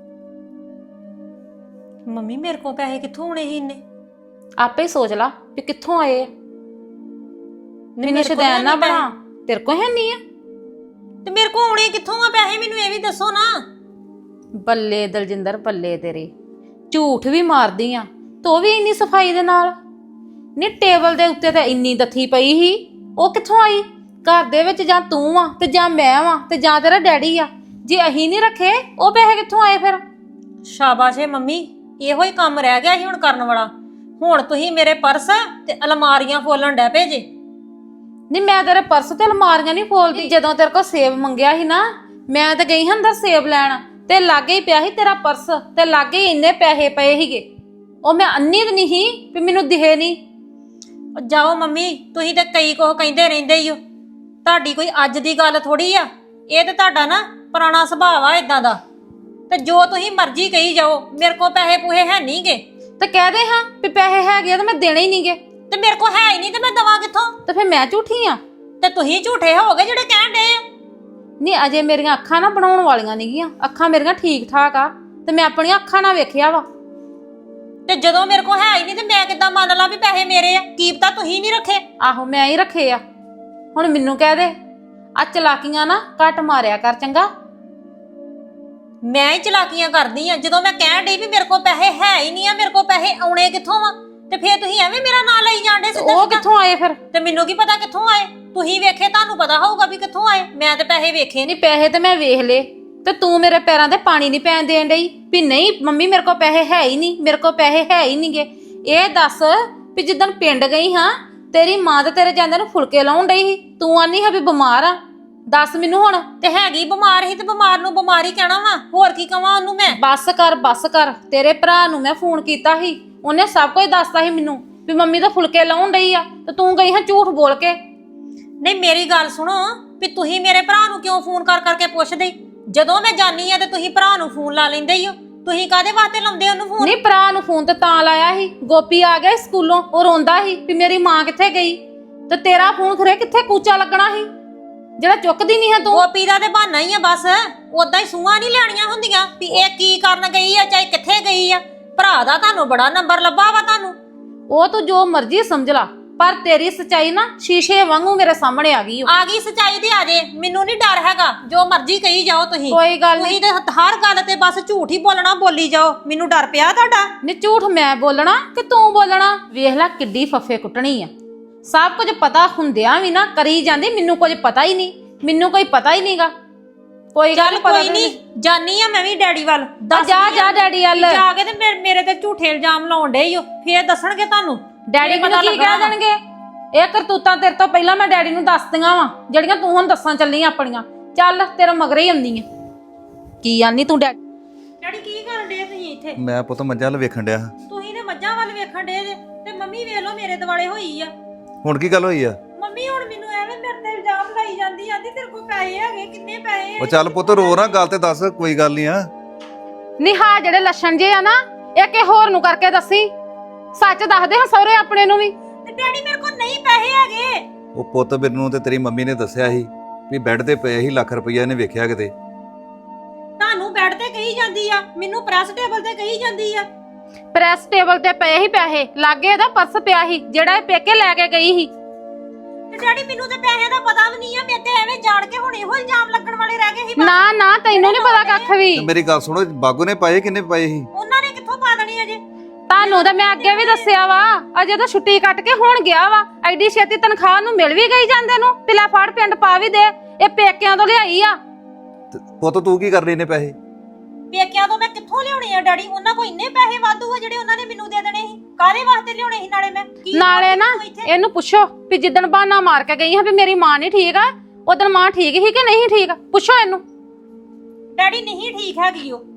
Speaker 1: ਮੰਮੀ ਮੇਰੇ ਕੋਲ ਪੈਸੇ ਕਿੱਥੋਂ ਆਉਣੇ ਸੀ ਇੰਨੇ?
Speaker 3: ਆਪੇ ਹੀ ਸੋਚ ਲਾ ਵੀ ਕਿੱਥੋਂ ਆਏ ਆ। ਮੈਨੂੰ ਸ਼ਦੈਨ ਨਾ ਬਣਾ, ਤੇਰੇ ਕੋਲ ਹੈ ਨਹੀਂ ਆ
Speaker 1: ਤੇ ਮੇਰੇ ਕੋਲ ਆਉਣੇ ਕਿੱਥੋਂ ਆ ਪੈਸੇ? ਮੈਨੂੰ ਇਹ ਵੀ ਦੱਸੋ ਨਾ।
Speaker 3: ਬੱਲੇ ਦਲਜਿੰਦਰ ਬੱਲੇ ਤੇਰੇ, ਝੂਠ ਵੀ ਮਾਰਦੀ ਆ ਤੋ ਵੀ ਇੰਨੀ ਸਫਾਈ ਦੇ ਨਾਲ। ਨੀ ਟੇਬਲ ਦੇ ਉੱਤੇ ਤਾਂ ਇੰਨੀ ਦੱਥੀ ਪਈ ਸੀ, ਉਹ ਕਿੱਥੋਂ ਆਈ? ਘਰ ਦੇ ਵਿੱਚ ਜਾਂ ਤੂੰ ਆ ਤੇ ਜਾਂ ਮੈਂ ਵਾਂ ਤੇ ਜਾਂ ਤੇਰਾ ਡੈਡੀ ਆ। ਜੇ ਅਹੀਂ ਨਹੀਂ ਰੱਖੇ ਉਹ ਪੈਸੇ ਕਿੱਥੋਂ ਆਏ ਫਿਰ?
Speaker 1: ਸ਼ਾਬਾਸ਼ ਏ ਮੰਮੀ, ਇਹੋ ਹੀ ਕੰਮ ਰਹਿ ਗਿਆ ਸੀ ਹੁਣ ਕਰਨ ਵਾਲਾ। ਹੁਣ ਤੁਸੀਂ ਮੇਰੇ ਪਰਸ ਤੇ ਅਲਮਾਰੀਆਂ ਫੋਲਣ ਡੈ ਪਏ ਜੇ।
Speaker 3: ਨਹੀਂ ਮੈਂ ਤੇਰੇ ਪਰਸ ਤੇ ਅਲਮਾਰੀਆਂ ਨਹੀਂ ਫੋਲਦੀ। ਜਦੋਂ ਤੇਰੇ ਕੋਲ ਸੇਬ ਮੰਗਿਆ ਸੀ ਨਾ, ਮੈਂ ਤਾਂ ਗਈ ਹਾਂ ਅੰਦਰ ਸੇਬ ਲੈਣ ਤੇ ਲਾਗੇ ਹੀ ਪਿਆ ਸੀ ਤੇਰਾ ਪਰਸ ਤੇ ਲਾਗੇ ਹੀ ਇੰਨੇ ਪੈਸੇ ਪਏ ਸੀਗੇ। ਉਹ ਮੈਂ ਅੰਨੀ ਤਾਂ ਨਹੀਂ ਸੀ ਵੀ ਮੈਨੂੰ ਦਿਖੇ ਨਹੀਂ।
Speaker 1: ਜਾਓ ਮੰਮੀ, ਤੁਸੀਂ ਤੇ ਕਈ ਕੁਝ ਕਹਿੰਦੇ ਰਹਿੰਦੇ ਹੀ ਹੋ। ਤੁਹਾਡੀ ਕੋਈ ਅੱਜ ਦੀ ਗੱਲ ਥੋੜੀ ਆ। ਇਹ ਤੇ ਤੁਹਾਡਾ ਨਾ ਪੁਰਾਣਾ ਸੁਭਾਅ ਆ ਇਦਾਂ ਦਾ। ਤੇ ਜੋ ਤੁਸੀਂ ਮਰਜ਼ੀ ਕਹੀ ਜਾਓ, ਮੇਰੇ ਕੋਲ ਪੈਸੇ ਪੂਹੇ ਹੈ ਨਹੀਂਗੇ।
Speaker 3: ਤੇ ਕਹਿ ਦੇ ਹਾਂ ਵੀ ਪੈਸੇ ਹੈਗੇ ਆ ਤੇ ਮੈਂ ਦੇਣੇ ਹੀ ਨਹੀਂਗੇ।
Speaker 1: ਤੇ ਮੇਰੇ ਕੋਲ ਹੈ ਹੀ ਨਹੀਂ ਤੇ ਮੈਂ ਦਵਾਂ ਕਿੱਥੋਂ?
Speaker 3: ਤੇ ਫਿਰ ਮੈਂ ਝੂਠੀ ਆ?
Speaker 1: ਤੇ ਤੁਸੀਂ ਝੂਠੇ ਹੋਗੇ ਜਿਹੜੇ ਕਹਿਣ ਡਏ ਆ।
Speaker 3: ਨਹੀਂ ਅਜੇ ਮੇਰੀਆਂ ਅੱਖਾਂ ਨਾ ਬਣਾਉਣ ਵਾਲੀਆਂ ਨਹੀਂਗੀਆਂ। ਅੱਖਾਂ ਮੇਰੀਆਂ ਠੀਕ ਠਾਕ ਆ ਤੇ ਮੈਂ ਆਪਣੀਆਂ ਅੱਖਾਂ ਨਾਲ ਵੇਖਿਆ ਵਾ।
Speaker 1: ਤੇ ਜਦੋਂ ਮੇਰੇ ਕੋਲ ਹੈ ਹੀ ਨਹੀਂ ਤੇ ਮੈਂ ਕਿੱਦਾਂ ਮੰਨ ਲਾਂ ਵੀ ਪੈਸੇ ਮੇਰੇ ਆ? ਕੀ ਪਤਾ ਤੁਸੀਂ ਨਹੀਂ ਰੱਖੇ।
Speaker 3: ਆਹੋ ਮੈਂ ਹੀ ਰੱਖੇ ਆ। ਹੁਣ ਮੈਨੂੰ ਕਹਿ ਦੇ ਆ ਚਲਾਕੀਆਂ ਨਾ ਘੱਟ ਮਾਰਿਆ ਕਰ ਚੰਗਾ।
Speaker 1: ਮੈਂ ਹੀ ਚਲਾਕੀਆਂ ਕਰਦੀ ਆ। ਜਦੋਂ ਮੈਂ ਕਹਿਣ ਡਈ ਵੀ ਮੇਰੇ ਕੋਲ ਪੈਸੇ ਹੈ ਹੀ ਨਹੀਂ ਆ, ਮੇਰੇ ਕੋਲ ਪੈਸੇ ਆਉਣੇ ਕਿੱਥੋਂ ਆ, ਤੇ ਫੇਰ ਤੁਸੀਂ ਐਵੇਂ ਮੇਰਾ ਨਾਂ ਲਈ ਜਾਂਦੇ ਸਿੱਧਾ
Speaker 3: ਉਹ
Speaker 1: ਸਿੱਧਾ।
Speaker 3: ਕਿੱਥੋਂ ਆਏ ਫਿਰ?
Speaker 1: ਤੇ ਮੈਨੂੰ ਕੀ ਪਤਾ ਕਿੱਥੋਂ ਆਏ, ਤੁਸੀਂ ਵੇਖੇ ਤੁਹਾਨੂੰ ਪਤਾ ਹੋਊਗਾ ਵੀ ਕਿੱਥੋਂ ਆਏ। ਮੈਂ ਤੇ ਪੈਸੇ ਵੇਖੇ ਨਹੀਂ।
Speaker 3: ਨਹੀਂ ਪੈਸੇ ਤੇ ਮੈਂ ਵੇਖ ਲਏ, ਤੇ ਤੂੰ ਮੇਰੇ ਪੈਰਾਂ ਤੇ ਪਾਣੀ ਨਹੀਂ ਪੈਣ ਦੇਣ ਡਈ ਵੀ ਨਹੀਂ ਮੰਮੀ ਮੇਰੇ ਕੋਲ ਪੈਸੇ ਹੈ ਹੀ ਨਹੀਂ, ਮੇਰੇ ਕੋਲ ਪੈਸੇ ਹੈ ਹੀ ਨਹੀਂਗੇ। ਇਹ ਦੱਸ ਵੀ ਜਿੱਦਣ ਪਿੰਡ ਗਈ ਹਾਂ ਤੇਰੀ ਮਾਂ ਤੇ ਤੇਰੇ ਜਾਂਦੇ ਨੂੰ ਫੁਲਕੇ ਲਾਉਣ ਡਈ ਸੀ, ਤੂੰ ਆਨੀ ਹੈ ਵੀ ਬਿਮਾਰ ਆ। ਦੱਸ ਮੈਨੂੰ ਹੁਣ।
Speaker 1: ਤੇ ਹੈਗੀ ਬਿਮਾਰ ਹੀ, ਤੇ ਬਿਮਾਰ ਨੂੰ ਬਿਮਾਰੀ ਕਹਿਣਾ ਵਾ, ਹੋਰ ਕੀ ਕਵਾਂ ਉਹਨੂੰ ਮੈਂ।
Speaker 3: ਬੱਸ ਕਰ ਬੱਸ ਕਰ, ਤੇਰੇ ਭਰਾ ਨੂੰ ਮੈਂ ਫੋਨ ਕੀਤਾ ਸੀ, ਉਹਨੇ ਸਭ ਕੁਝ ਦੱਸਤਾ ਸੀ ਮੈਨੂੰ ਵੀ ਮੰਮੀ ਤਾਂ ਫੁਲਕੇ ਲਾਉਣ ਡਈ ਆ, ਤੇ ਤੂੰ ਗਈ ਹਾਂ ਝੂਠ ਬੋਲ ਕੇ।
Speaker 1: ਨਹੀਂ ਮੇਰੀ ਗੱਲ ਸੁਣੋ, ਵੀ ਤੁਸੀਂ ਮੇਰੇ ਭਰਾ ਨੂੰ ਕਿਉਂ ਫੋਨ ਕਰ ਕਰਕੇ ਪੁੱਛਦੇ? ਜਦੋਂ ਮੈਂ ਜਾਨੀ ਆ ਤੇ ਤੁਸੀਂ ਭਰਾ ਨੂੰ ਫੋਨ ਲਾ ਲੈਂਦੇ ਹੀ ਹੋ। ਤੁਸੀਂ ਕਾਹਦੇ ਵਾਸਤੇ ਲਾਉਂਦੇ ਉਹਨੂੰ ਫੋਨ?
Speaker 3: ਨਹੀਂ ਭਰਾ ਨੂੰ ਫੋਨ ਤੇ ਤਾਂ ਲਾਇਆ ਸੀ, ਗੋਪੀ ਆ ਗਿਆ ਸਕੂਲੋਂ, ਉਹ ਰੋਂਦਾ ਸੀ ਵੀ ਮੇਰੀ ਮਾਂ ਕਿੱਥੇ ਗਈ, ਤੇ ਤੇਰਾ ਫੋਨ ਖਰੇ ਕਿੱਥੇ ਕੂਚਾ ਲੱਗਣਾ ਸੀ ਜਿਹੜਾ ਚੁੱਕਦੀ ਨਹੀਂ ਹੈ ਤੂੰ।
Speaker 1: ਗੋਪੀ ਦਾ ਤੇ ਬਹਾਨਾ ਹੀ ਆ ਬਸ, ਉਦਾਂ ਹੀ ਸੂਹਾਂ ਨਹੀਂ ਲੈਣੀਆਂ ਹੁੰਦੀਆਂ ਵੀ ਇਹ ਕੀ ਕਰਨ ਗਈ ਆ, ਚਾਹੇ ਕਿੱਥੇ ਗਈ ਆ। ਭਰਾ ਦਾ ਤੁਹਾਨੂੰ ਬੜਾ ਨੰਬਰ ਲੱਭਾ ਵਾ ਤੁਹਾਨੂੰ।
Speaker 3: ਉਹ ਤੂੰ ਜੋ ਮਰਜ਼ੀ ਸਮਝ ਲਾ, ਪਰ ਤੇਰੀ ਸੱਚਾਈ ਨਾ ਸ਼ੀਸ਼ੇ ਵਾਂਗੂ ਮੇਰੇ ਸਾਹਮਣੇ ਆ ਗਈ ਓ।
Speaker 1: ਆ ਗਈ ਸੱਚਾਈ ਤੇ ਆ ਜੇ, ਮੈਨੂੰ ਨਹੀਂ ਡਰ ਹੈਗਾ, ਜੋ ਮਰਜ਼ੀ ਕਹੀ ਜਾਓ ਤੁਸੀਂ।
Speaker 3: ਕੋਈ ਗੱਲ ਨਹੀਂ,
Speaker 1: ਤੁਸੀਂ ਤੇ ਹਰ ਗੱਲ ਤੇ ਬਸ ਝੂਠ ਹੀ ਬੋਲਣਾ, ਬੋਲੀ ਜਾਓ। ਮੈਨੂੰ ਡਰ ਪਿਆ ਤੁਹਾਡਾ।
Speaker 3: ਨੀ ਝੂਠ ਮੈਂ ਬੋਲਣਾ ਕਿ ਤੂੰ ਬੋਲਣਾ? ਵੇਖ ਲੈ ਕਿੱਡੀ ਫੱਫੇ ਕੁੱਟਣੀ ਆ। ਸਭ ਕੁਝ ਪਤਾ ਹੁੰਦਿਆਂ ਵੀ ਨਾ ਕਰੀ ਜਾਂਦੀ, ਮੈਨੂੰ ਕੁਝ ਪਤਾ ਹੀ ਨਹੀਂ, ਮੈਨੂੰ ਕੋਈ ਪਤਾ ਹੀ ਨਹੀਂਗਾ। ਕੋਈ ਗੱਲ
Speaker 1: ਚੱਲ ਕੋਈ ਨਹੀਂ, ਜਾਨੀ ਆ ਮੈਂ ਵੀ ਡੈਡੀ ਵੱਲ। ਦੱਸ
Speaker 3: ਜਾ ਜਾ ਡੈਡੀ ਵੱਲ
Speaker 1: ਜਾ ਕੇ ਤੇ ਮੇਰੇ- ਮੇਰੇ ਤੇ ਝੂਠੇ ਇਲਜ਼ਾਮ ਲਾਉਣ ਡੇ ਈ ਓ, ਫੇਰ ਦੱਸਣਗੇ ਤੁਹਾਨੂੰ।
Speaker 3: ਡੈਡੀ ਮੈਨੂੰ ਕੀ ਕਹਿ ਦੇਣਗੇ? ਇਹ ਕਰਤੂਤਾਂ ਤੇਰੇ ਤੋਂ ਪਹਿਲਾਂ ਮੈਂ ਡੈਡੀ ਨੂੰ ਦੱਸਦੀਆਂ ਵਾ ਜਿਹੜੀਆਂ ਤੂੰ ਹੁਣ ਦੱਸਾਂ ਚੱਲੀ ਆਪਣੀਆਂ। ਚੱਲ ਤੇਰਾ ਮਗਰੇ ਹੀ ਆਉਂਦੀ ਆ। ਕੀ ਆਨੀ ਤੂੰ ਡੈਡੀ?
Speaker 1: ਡੈਡੀ ਕੀ ਕਰਨ ਡੇ ਤੁਸੀਂ ਇੱਥੇ?
Speaker 2: ਮੈਂ ਪੁੱਤ ਮੱਝਾਂ ਵੱਲ ਵੇਖਣ ਡਿਆ।
Speaker 1: ਤੁਸੀਂ ਨੇ ਮੱਝਾਂ ਵੱਲ ਵੇਖਣ ਡੇ ਜੇ, ਤੇ ਮੰਮੀ ਵੇਖ ਲਓ ਮੇਰੇ ਦਿਵਾਲੇ ਹੋਈ ਆ।
Speaker 2: ਹੁਣ ਕੀ ਗੱਲ ਹੋਈ ਆ?
Speaker 1: ਮੰਮੀ ਹੁਣ ਮੈਨੂੰ ਐਵੇਂ ਮੇਰੇ ਤੇ ਇਲਜ਼ਾਮ ਲਾਈ ਜਾਂਦੀ, ਆਂਦੀ ਤੇਰੇ ਕੋਲ ਪੈਸੇ ਹੈਗੇ, ਕਿੰਨੇ ਪੈਸੇ?
Speaker 2: ਉਹ ਚੱਲ ਪੁੱਤ ਰੋ ਨਾ, ਗੱਲ ਤੇ ਦੱਸ, ਕੋਈ ਗੱਲ ਨਹੀਂ ਆ।
Speaker 3: ਨਿਹਾ ਜਿਹੜੇ ਲੱਛਣ ਜੇ ਆ ਨਾ, ਇਹ ਕਿ ਹੋਰ ਨੂੰ ਕਰਕੇ ਦੱਸੀ, ਸੱਚ ਦੱਸਦੇ ਹਾਂ ਸਹੁਰੇ ਆਪਣੇ ਨੂੰ ਵੀ।
Speaker 1: ਤੇ ਡੈਡੀ ਮੇਰੇ ਕੋਲ ਨਹੀਂ ਪੈਸੇ ਹੈਗੇ।
Speaker 2: ਉਹ ਪੁੱਤ ਮੈਨੂੰ ਤੇ ਤੇਰੀ ਮੰਮੀ ਨੇ ਦੱਸਿਆ ਸੀ ਵੀ ਬੈੱਡ ਤੇ ਪਏ ਸੀ ਲੱਖ ਰੁਪਈਆ, ਇਹਨੇ ਵੇਖਿਆ ਕਿਤੇ।
Speaker 1: ਤੁਹਾਨੂੰ ਬੈੱਡ ਤੇ ਕਹੀ ਜਾਂਦੀ ਆ, ਮੈਨੂੰ ਪ੍ਰੈਸ ਟੇਬਲ ਤੇ ਕਹੀ ਜਾਂਦੀ ਆ।
Speaker 3: ਪ੍ਰੈਸ ਟੇਬਲ ਤੇ ਪਏ ਹੀ ਪੈਸੇ, ਲਾਗੇ ਇਹਦਾ ਪਰਸ ਪਿਆ ਸੀ ਜਿਹੜਾ ਇਹ ਪੇਕੇ ਲੈ ਕੇ ਗਈ ਸੀ।
Speaker 1: ਤੇ ਡੈਡੀ ਮੈਨੂੰ ਤੇ ਪੈਸੇ ਦਾ ਪਤਾ ਵੀ ਨਹੀਂ ਆ, ਮੇਰੇ ਤੇ ਐਵੇਂ ਜਾਣ ਕੇ ਹੁਣ ਇਹੋ ਇਲਜ਼ਾਮ ਲੱਗਣ ਵਾਲੇ ਰਹਿ ਗਏ ਸੀ।
Speaker 3: ਨਾ ਨਾ ਤੈਨੂੰ ਨਹੀਂ ਪਤਾ ਕੱਖ ਵੀ।
Speaker 2: ਤੇ ਮੇਰੀ ਗੱਲ ਸੁਣੋ, ਬਾਗੂ ਨੇ ਪਾਏ ਕਿੰਨੇ ਪਾਏ ਸੀ?
Speaker 1: ਉਹਨਾਂ ਨੇ ਕਿੱਥੋਂ ਪਾ ਦੇਣੀ ਅਜੇ?
Speaker 3: ਤੁਹਾਨੂੰ ਤਾਂ ਮੈਂ ਅੱਗੇ ਵੀ ਦੱਸਿਆ ਵਾ, ਅਜੇ ਤਾਂ ਛੁੱਟੀ ਕੱਟ ਕੇ ਹੁਣ ਗਿਆ ਵਾ, ਐਡੀ ਛੇਤੀ ਤਨਖਾਹ ਨੂੰ ਮਿਲ ਵੀ ਗਈ ਜਾਂਦੇ ਨੂੰ। ਪਿਲਾ ਫੜ ਪਿੰਡ ਪਾ ਵੀ ਦੇ, ਇਹ ਪੇਕਿਆਂ ਤੋਂ ਲਿਆਈ ਆ।
Speaker 2: ਤੇ ਪੁੱਤ ਤੂੰ ਕੀ ਕਰ ਰਹੀ ਨੇ ਪੈਸੇ?
Speaker 1: ਪੇਕਿਆਂ ਤੋਂ ਮੈਂ ਕਿੱਥੋਂ ਲਿਆਉਣੇ ਆ ਡੈਡੀ? ਉਹਨਾਂ ਕੋਲ ਇੰਨੇ ਪੈਸੇ ਵਾਧੂ ਆ ਜਿਹੜੇ ਉਹਨਾਂ ਨੇ ਮੈਨੂੰ ਦੇ ਦੇਣੇ ਸੀ। ਕਾਹਦੇ ਵਾਸਤੇ ਲਿਆਉਣੇ ਸੀ? ਨਾਲੇ ਮੈਂ ਕੀ
Speaker 3: ਨਾਲੇ ਨਾ ਇਹਨੂੰ ਪੁੱਛੋ ਵੀ ਜਿੱਦਣ ਬਹਾਨਾ ਮਾਰ ਕੇ ਗਈ ਹਾਂ ਵੀ ਮੇਰੀ ਮਾਂ ਨਹੀਂ ਠੀਕ ਆ, ਉਦੋਂ ਮਾਂ ਠੀਕ ਸੀ ਕਿ ਨਹੀਂ ਠੀਕ? ਪੁੱਛੋ ਇਹਨੂੰ।
Speaker 1: ਡੈਡੀ ਨਹੀਂ ਠੀਕ ਹੈਗੀ ਉਹ।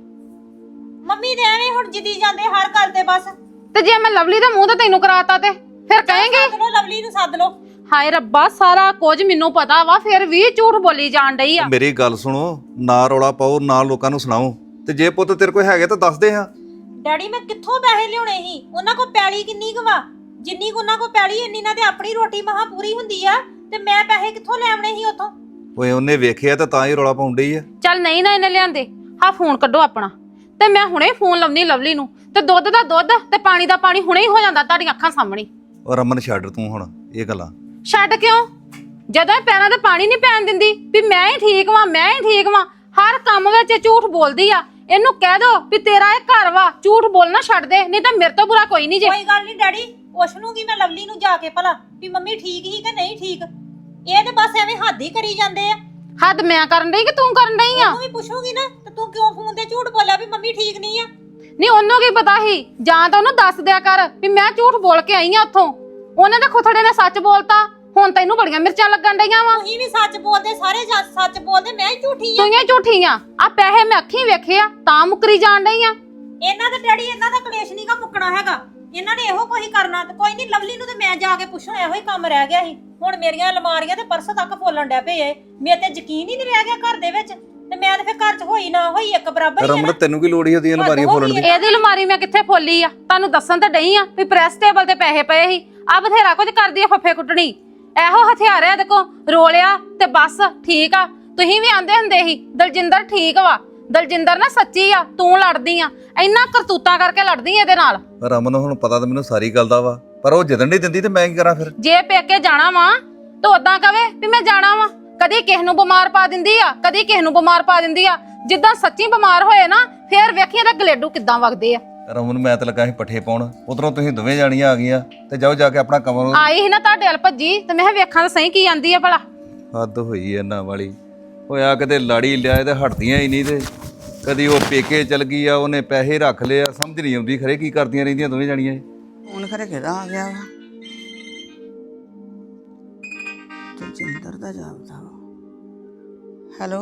Speaker 1: ਮੰਮੀ ਦੇ ਐਵੇਂ ਹੁਣ ਜਿੱਦੀ ਜਾਂਦੇ ਹਰ ਗੱਲ ਤੇ ਬਸ।
Speaker 3: ਤੇ ਜੇ ਮੈਂ ਲਵਲੀ ਦਾ ਮੂੰਹ ਤਾਂ ਤੈਨੂੰ ਕਰਾਤਾ ਤੇ ਫਿਰ ਕਹੇਂਗੇ?
Speaker 1: ਸੱਦ ਲਓ ਲਵਲੀ ਨੂੰ, ਸੱਦ ਲਓ।
Speaker 3: ਹਾਏ ਰੱਬਾ, ਸਾਰਾ ਕੁਝ ਮੈਨੂੰ ਪਤਾ ਵਾ, ਫਿਰ ਵੀ ਝੂਠ ਬੋਲੀ ਜਾਣ ਡਈ ਆ।
Speaker 2: ਮੇਰੀ ਗੱਲ ਸੁਣੋ, ਨਾ ਰੌਲਾ ਪਾਓ, ਨਾ ਲੋਕਾਂ ਨੂੰ ਸੁਣਾਓ, ਤੇ ਜੇ ਪੁੱਤ ਤੇਰੇ ਕੋਲ ਹੈਗੇ ਤਾਂ ਦੱਸ ਦੇ ਹਾਂ।
Speaker 1: ਡੈਡੀ ਮੈਂ ਕਿੱਥੋਂ ਪੈਸੇ ਲਿਆਉਣੇ ਸੀ? ਉਹਨਾਂ ਕੋਲ ਪੈਲੀ ਕਿੰਨੀ ਕੁ ਵਾ? ਜਿੰਨੀ ਕੁ ਉਹਨਾਂ ਕੋਲ ਪੈਲੀ, ਇੰਨੀ ਨਾਲ ਤੇ ਆਪਣੀ ਰੋਟੀ ਮਹਾ ਪੂਰੀ ਹੁੰਦੀ ਆ, ਤੇ ਮੈਂ ਪੈਸੇ ਕਿੱਥੋਂ ਲੈ ਆਉਣੇ ਸੀ ਉੱਥੋਂ?
Speaker 2: ਓਏ ਉਹਨੇ ਵੇਖਿਆ ਤਾਂ ਤਾਂ ਹੀ ਰੌਲਾ ਪਾਉਣ ਡਈ ਆ।
Speaker 3: ਚੱਲ ਨਹੀਂ ਨਾ ਇਹਨੇ ਲਿਆਂਦੇ, ਹਾਂ ਫੋਨ ਕੱਢੋ ਆਪਣਾ, ਤੇ ਮੈਂ ਹੁਣੇ ਫੋਨ ਲਾਉਣੀ ਲਵਲੀ ਨੂੰ, ਤੇ ਦੁੱਧ ਦਾ ਦੁੱਧ ਤੇ ਪਾਣੀ ਦਾ ਪਾਣੀ ਹੁਣੇ ਹੀ ਹੋ ਜਾਂਦਾ ਤੁਹਾਡੀਆਂ ਅੱਖਾਂ ਸਾਹਮਣੇ।
Speaker 2: ਔਰ ਰਮਨ ਛੱਡ ਤੂੰ ਹੁਣ ਇਹ ਗੱਲਾਂ।
Speaker 3: ਛੱਡ ਕਿਉਂ? ਜਦੋਂ ਇਹ ਪੈਰਾਂ ਤੇ ਪਾਣੀ ਨਹੀਂ ਪੈਣ ਦਿੰਦੀ ਵੀ ਮੈਂ ਹੀ ਠੀਕ ਵਾਂ, ਮੈਂ ਹੀ ਠੀਕ ਵਾਂ, ਹਰ ਕੰਮ ਵਿੱਚ ਇਹ ਝੂਠ ਬੋਲਦੀ ਆ। ਇਹਨੂੰ ਕਹਿ ਦੋ ਵੀ ਤੇਰਾ ਇਹ ਘਰ ਵਾ, ਝੂਠ ਬੋਲਣਾ ਛੱਡ ਦੇ, ਨਹੀਂ ਤਾਂ ਮੇਰੇ ਤੋਂ ਬੁਰਾ ਕੋਈ ਨਹੀਂ ਜੇ।
Speaker 1: ਕੋਈ ਗੱਲ ਨਹੀਂ ਡੈਡੀ, ਪੁੱਛ ਲੂੰਗੀ ਮੈਂ ਲਵਲੀ ਨੂੰ ਜਾ ਕੇ ਭਲਾ ਵੀ ਮੰਮੀ ਠੀਕ ਹੀ ਕਿ ਨਹੀਂ ਠੀਕ। ਇਹ ਤੇ ਬਸ ਐਵੇਂ ਹੱਦ ਹੀ ਕਰੀ ਜਾਂਦੇ ਆ।
Speaker 3: ਹੱਦ ਮੈਂ ਕਰਨ ਡਈ ਕਿ ਤੂੰ ਕਰਨ ਡਈ ਆ?
Speaker 1: ਤੂੰ ਵੀ ਪੁੱਛੂਗੀ ਨਾ, ਤੇ ਤੂੰ ਕਿਉਂ ਫੋਨ ਤੇ ਝੂਠ ਬੋਲਿਆ ਵੀ ਮੰਮੀ ਠੀਕ ਨਹੀਂ ਆ?
Speaker 3: ਨਹੀਂ ਉਹਨੂੰ ਕੀ ਪਤਾ ਸੀ? ਜਾਂ ਤਾਂ ਉਹਨੂੰ ਦੱਸ ਦਿਆ ਕਰ ਵੀ ਮੈਂ ਝੂਠ ਬੋਲ ਕੇ ਆਈ ਆ ਉੱਥੋਂ। ਉਹਨੇ ਤਾਂ ਖੁਥੜੇ ਨੇ ਸੱਚ ਬੋਲਤਾ, ਹੁਣ ਤੈਨੂੰ ਬੜੀਆਂ ਮਿਰਚਾਂ ਲੱਗਣ ਡਈਆਂ ਵਾ।
Speaker 1: ਤੁਸੀਂ ਵੀ ਸੱਚ ਬੋਲਦੇ, ਸਾਰੇ ਜੱਜ ਸੱਚ ਬੋਲਦੇ, ਮੈਂ ਹੀ ਝੂਠੀ ਆ।
Speaker 3: ਤੂੰ ਹੀ ਝੂਠੀ ਆ। ਆ ਪੈਸੇ ਮੈਂ ਅੱਖੀਂ ਵੇਖੇ ਆ ਤਾਂ ਮੁਕਰੀ ਜਾਣ ਡਈ ਆ।
Speaker 1: ਇਹਨਾਂ ਦਾ ਡੈਡੀ, ਇਹਨਾਂ ਦਾ ਕਲੇਸ਼ ਨਹੀਂਗਾ ਮੁੱਕਣਾ ਹੈਗਾ। ਇਹਨਾਂ ਨੇ ਇਹੋ ਕੋਈ ਕਰਨਾ। ਤੇ ਕੋਈ ਨਹੀਂ, ਲਵਲੀ ਨੂੰ ਤੇ ਮੈਂ ਜਾ ਕੇ ਪੁੱਛਣਾ, ਇਹੋ ਹੀ ਕੰਮ ਰਹਿ ਗਿਆ ਸੀ। ਹੁਣ ਮੇਰੀਆਂ ਅਲਮਾਰੀਆਂ ਤੇ ਪਰਸ ਤੱਕ ਫੋਲਣ ਡੈ ਪਏ ਏ। ਮੇਰੇ ਤੇ ਯਕੀਨ ਹੀ ਨਹੀਂ ਰਹਿ ਗਿਆ ਘਰ ਦੇ ਵਿੱਚ, ਤੇ ਮੈਂ ਤੇ ਫਿਰ ਘਰ 'ਚ ਹੋਈ ਨਾ ਹੋਈ ਇੱਕ ਬਰਾਬਰ ਹੀ ਆ
Speaker 2: ਰਮਨ
Speaker 1: ਨਾ।
Speaker 2: ਤੈਨੂੰ ਕੀ ਲੋੜ ਹੀ ਉਹਦੀਆਂ ਅਲਮਾਰੀਆਂ ਫੋਲਣ ਦੀ?
Speaker 3: ਇਹਦੀ ਅਲਮਾਰੀ ਮੈਂ ਕਿੱਥੇ ਫੋਲੀ ਆ? ਤੁਹਾਨੂੰ ਦੱਸਣ ਤੇ ਡਈ ਆ ਵੀ ਪ੍ਰੈਸ ਟੇਬਲ ਤੇ ਪੈਸੇ ਪਏ ਸੀ। ਆ ਬਥੇਰਾ ਕੁਝ ਕਰਦੀ ਆ ਫੱਫੇ ਕੁੱਟਣੀ, ਇਹੋ ਹਥਿਆਰ ਆ ਇਹਦੇ ਕੋਲ। ਰੋਲਿਆ ਤੇ ਬਸ ਠੀਕ ਆ। ਤੁਸੀਂ ਵੀ ਆਂਦੇ ਹੁੰਦੇ ਸੀ ਦਲਜਿੰਦਰ ਠੀਕ ਵਾ। ਦਲਜਿੰਦਰ ਨਾ ਸੱਚੀ ਆ, ਤੂੰ ਲੜਦੀ ਆ, ਇੰਨਾ ਕਰਤੂਤਾਂ ਕਰਕੇ ਲੜਦੀ ਆ ਇਹਦੇ ਨਾਲ।
Speaker 2: ਰਮਨ ਹੁਣ ਪਤਾ ਤਾਂ ਮੈਨੂੰ ਸਾਰੀ ਗੱਲ ਦਾ ਵਾ, ਪਰ ਉਹ ਜਿੱਦਣ ਨਹੀਂ ਦਿੰਦੀ ਤੇ ਮੈਂ ਕੀ ਕਰਾਂ ਫਿਰ?
Speaker 3: ਜੇ ਪੇਕੇ ਜਾਣਾ ਵਾ ਤਾਂ ਉਦਾਂ ਕਵੇ ਵੀ ਮੈਂ ਜਾਣਾ ਵਾ। ਕਦੀ ਕਿਸ ਨੂੰ ਬਿਮਾਰ ਪਾ ਦਿੰਦੀ ਆ, ਕਦੀ ਕਿਸ ਨੂੰ ਬਿਮਾਰ ਪਾ ਦਿੰਦੀ ਆ। ਜਿੱਦਾਂ ਸੱਚੀ ਬਿਮਾਰ ਹੋਏ ਨਾ ਫੇਰ ਵੇਖੀ ਇਹਦੇ ਗਲੇਡੂ ਕਿੱਦਾਂ ਵਗਦੇ ਆ।
Speaker 2: ਰਮਨ ਮੈਂ ਤਾਂ ਲੱਗਾ ਸੀ ਪੱਠੇ ਪਾਉਣ, ਉਧਰੋਂ ਤੁਸੀਂ ਦੋਵੇਂ ਜਾਣੀਆਂ ਆ ਗਈਆਂ ਤੇ ਜਾਓ ਜਾ ਕੇ ਆਪਣਾ ਕਮਰ।
Speaker 3: ਆਈ ਸੀ ਨਾ ਤੁਹਾਡੇ ਵੱਲ ਭੱਜੀ ਤੇ ਮੈਂ ਕਿਹਾ ਵੇਖਾਂ ਤਾਂ ਸਹੀ ਕੀ ਆਂਦੀ ਆ ਭਲਾ।
Speaker 2: ਹੱਦ ਹੋਈ ਇਹਨਾਂ ਵਾਲੀ, ਹੋਇਆ ਕਿਤੇ ਲਾੜੀ ਲਿਆ ਤੇ ਹਟਦੀਆਂ ਹੀ ਨਹੀਂ ਤੇ ਕਦੀ ਉਹ ਪੇਕੇ ਚਲ ਗਈ ਆ, ਉਹਨੇ ਪੈਸੇ ਰੱਖ ਲਏ ਆ, ਸਮਝ ਨਹੀਂ ਆਉਂਦੀ ਖਰੇ ਕੀ ਕਰਦੀਆਂ ਰਹਿੰਦੀਆਂ ਦੋਵੇਂ ਜਾਣੀਆਂ ਇਹ।
Speaker 4: ਹੁਣ ਖਰੇ ਕਿਹਦਾ ਆ ਗਿਆ ਵਾ ਤੇ ਜਿੰਦਰ ਦਾ ਜਾਪਦਾ ਵਾ। ਹੈਲੋ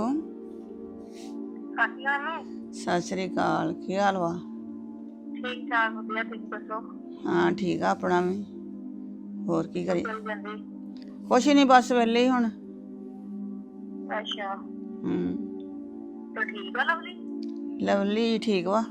Speaker 4: ਸਤਿ ਸ੍ਰੀ ਅਕਾਲ, ਕੀ ਹਾਲ ਵਾ?
Speaker 5: ਠੀਕ ਠਾਕ ਵਧੀਆ, ਤੁਸੀਂ ਦੱਸੋ?
Speaker 4: ਹਾਂ ਠੀਕ ਆ ਆਪਣਾ ਵੀ। ਹੋਰ ਕੀ ਕਰੀ? ਕੁਛ ਨਹੀਂ, ਬਸ ਵਿਹਲੇ ਹੀ ਹੁਣ।
Speaker 5: ਅੱਛਾ,
Speaker 4: ਹੂੰ
Speaker 5: ਤਾਂ ਠੀਕ ਆ ਲਵਲੀ?
Speaker 4: ਲਵਲੀ ਠੀਕ ਵਾ।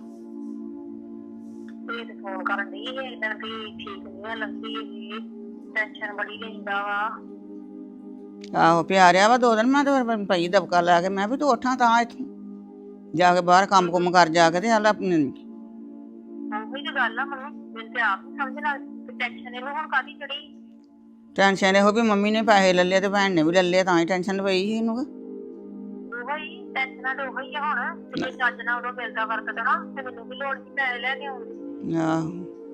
Speaker 5: ਤੇ ਤੇ ਫੋਨ ਕਰਨ ਦੀ ਹੈ ਇਦਾਂ ਵੀ ਠੀਕ ਨਹੀਂ ਆ ਲਵਲੀ, ਇਹ ਟੈਨਸ਼ਨ ਬੜੀ ਲੈਂਦਾ ਵਾ।
Speaker 4: ਆਹੋ ਪਿਆਰਿਆ ਵਾ ਦੋ ਦਿਨ। ਮੈਂ ਤਾਂ ਫਿਰ ਪਈ ਦਬਕਾ ਲੈ ਕੇ ਮੈਂ ਵੀ ਤੂੰ ਉੱਠਾਂ ਤਾਂ ਇੱਥੋਂ ਜਾ ਕੇ ਬਾਹਰ ਕੰਮ ਕੁੰਮ ਕਰ ਜਾ ਕੇ ਤੇ ਹਾਲ ਆਪਣੇ।
Speaker 5: ਉਹੀ ਤਾਂ ਗੱਲ ਆ ਮੰਮੀ, ਮੈਨੂੰ ਤੇ ਆਪ ਨਹੀਂ ਸਮਝ ਲੱਗਦੀ ਟੈਨਸ਼ਨ ਇਹਨੂੰ ਹੁਣ ਕਾਹਦੀ ਚੜੀ।
Speaker 4: ਟੈਨਸ਼ਨ ਇਹੋ ਵੀ ਮੰਮੀ ਨੇ ਪੈਸੇ ਲੈ ਲਏ ਤੇ ਭੈਣ ਨੇ ਵੀ ਲੈ ਲਏ, ਤਾਂ ਹੀ ਟੈਨਸ਼ਨ ਪਈ ਸੀ ਇਹਨੂੰ।
Speaker 5: ਉਹੀ ਟੈਨਸ਼ਨਾਂ ਤੇ ਉਹੀ ਆ ਹੁਣ, ਤੇ ਜੇ ਚੱਜ ਨਾਲ ਉਦੋਂ ਮਿਲਦਾ ਵਰਤਦਾ ਨਾ ਤੇ ਮੈਨੂੰ ਵੀ ਲੋੜ ਸੀ ਪੈਸੇ ਲੈ ਕੇ ਆਉਂਦੀ।
Speaker 4: ਆਹੋ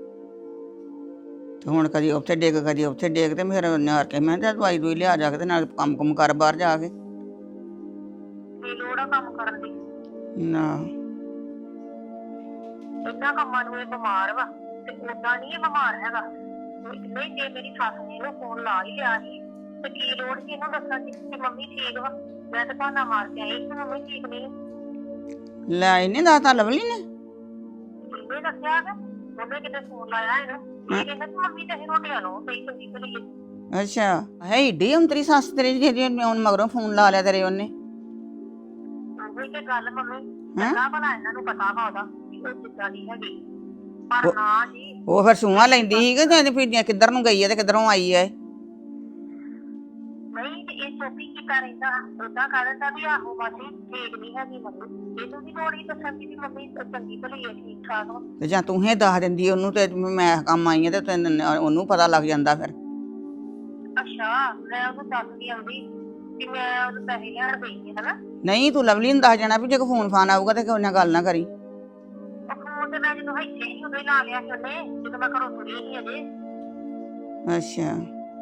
Speaker 4: ਤੇ ਹੁਣ ਕਦੀ ਉੱਥੇ ਡਿੱਗ ਕਦੀ ਉੱਥੇ ਡਿੱਗ ਤੇ ਫਿਰ ਨਾਰ ਕੇ ਮੈਂ ਤੇ ਦਵਾਈ ਦੂਈ ਲਿਆ ਜਾ ਕੇ ਤੇ ਨਾਲ ਕੰਮ ਕੁਮ ਕਰ ਬਾਹਰ ਜਾ ਕੇ।
Speaker 5: ਕੀ ਲੋੜ ਆ ਕੰਮ ਕਰਨ ਦੀ?
Speaker 4: ਨਾ
Speaker 5: ਇਹਨਾਂ ਕੰਮਾਂ ਨੂੰ ਇਹ ਬਿਮਾਰ ਵਾ ਤੇ ਓਦਾਂ ਨਹੀਂ ਇਹ ਬਿਮਾਰ ਹੈਗਾ। ਨਹੀਂ ਜੇ ਮੇਰੀ ਸੱਸ ਨੇ ਇਹਨੂੰ ਫੋਨ ਲਾ ਹੀ ਲਿਆ ਸੀ ਤੇ ਕੀ ਲੋੜ ਸੀ ਇਹਨੂੰ ਦੱਸਣ ਦੀ ਕਿ ਮੰਮੀ ਠੀਕ ਵਾ। ਮੈਂ ਤਾਂ ਬਹਾਨਾ ਮਾਰ ਕੇ ਆਈ ਕਿ ਮੰਮੀ ਠੀਕ ਨਹੀਂ।
Speaker 4: ਲੈ ਇਹਨੇ ਦੱਸਤਾ ਲਵਲੀ ਨੇ?
Speaker 5: ਇਹਨੇ ਦੱਸਿਆ ਕਿ ਉਹਨੇ ਕਿਤੇ ਫੋਨ ਲਾਇਆ ਇਹਨੂੰ, ਇਹ ਕਹਿੰਦਾ ਕਿ ਮੰਮੀ ਤੇ ਅਸੀਂ ਰੋਟੀਆਂ ਲਓ ਸਹੀ ਚੰਗੀ ਭਲੀ।
Speaker 4: ਅੱਛਾ ਹੈ ਏਡੀ ਅੰਤਰੀ ਸੱਸ ਤੇਰੀ ਜਿਹੜੀ ਹੁਣ ਮਗਰੋਂ ਫੋਨ ਲਾ ਲਿਆ ਤੇਰੇ ਉਹਨੇ?
Speaker 5: ਉਹੀ ਤੇ ਗੱਲ ਮੰਮੀ, ਪਹਿਲਾਂ ਭਲਾ ਇਹਨਾਂ ਨੂੰ ਪਤਾ ਵਾ ਉਹਦਾ ਕਿ ਉਹ ਜਿੱਦਾਂ ਦੀ ਹੈਗੀ, ਪਰ ਨਾ ਜੀ।
Speaker 4: ਉਹ ਫਿਰ ਸੂਹਾਂ ਲੈਂਦੀ ਸੀ ਕਿ ਤੇ ਫਿਰ ਕਿੱਧਰ ਨੂੰ ਗਈ ਹੈ ਤੇ ਕਿੱਧਰੋਂ ਆਈ ਹੈ?
Speaker 5: ਨਹੀਂ ਤੇ ਇਹ ਚੋਪੀ ਕੀਤਾ ਰਹਿੰਦਾ, ਓਦਾਂ ਕਹਿ ਦਿੰਦਾ ਵੀ ਆਹੋ ਮਾਸੀ ਠੀਕ ਨਹੀਂ ਹੈਗੀ ਮੰਮੀ। ਇਹਨੂੰ ਵੀ ਲੋੜ ਹੀ ਦੱਸਣ ਦੀ ਵੀ ਮੰਮੀ ਚੰਗੀ ਭਲੀ ਹੈ, ਠੀਕ ਠਾਕ ਵਾ।
Speaker 4: ਤੇ ਜਾਂ ਤੂੰ ਹੀ ਦੱਸ ਦਿੰਦੀ ਉਹਨੂੰ ਤੇ ਮੈਂ ਕੰਮ ਆਈ ਆ ਤੇ ਤੈਨੂੰ ਉਹਨੂੰ ਪਤਾ ਲੱਗ ਜਾਂਦਾ ਫਿਰ।
Speaker 5: ਅੱਛਾ ਮੈਂ ਉਹਨੂੰ ਦੱਸ ਦੀ ਆਉਂਦੀ ਕਿ ਮੈਂ ਉਹਨੂੰ ਪੈਸੇ ਲੈਣ ਗਈ ਹਾਂ ਹਨਾ।
Speaker 4: ਨਹੀਂ ਤੂੰ ਲਵਲੀ ਨੂੰ ਦੱਸ ਜਾਣਾ ਵੀ ਜੇ ਕੋਈ ਫੋਨ ਫਾਨ ਆਊਗਾ ਤੇ ਕੋਈ ਨਾਲ ਗੱਲ ਨਾ ਕਰੀ।
Speaker 5: ਉਹ ਫੋਨ ਤੇ ਮੈਂ ਜਦੋਂ ਇੱਥੇ ਹੀ ਉਦੋਂ ਹੀ ਲਾ ਲਿਆ ਸੀ ਉਹਨੇ, ਜਦੋਂ ਮੈਂ ਘਰੋਂ ਤੁਰੀ ਸੀ ਅਜੇ।
Speaker 4: ਅੱਛਾ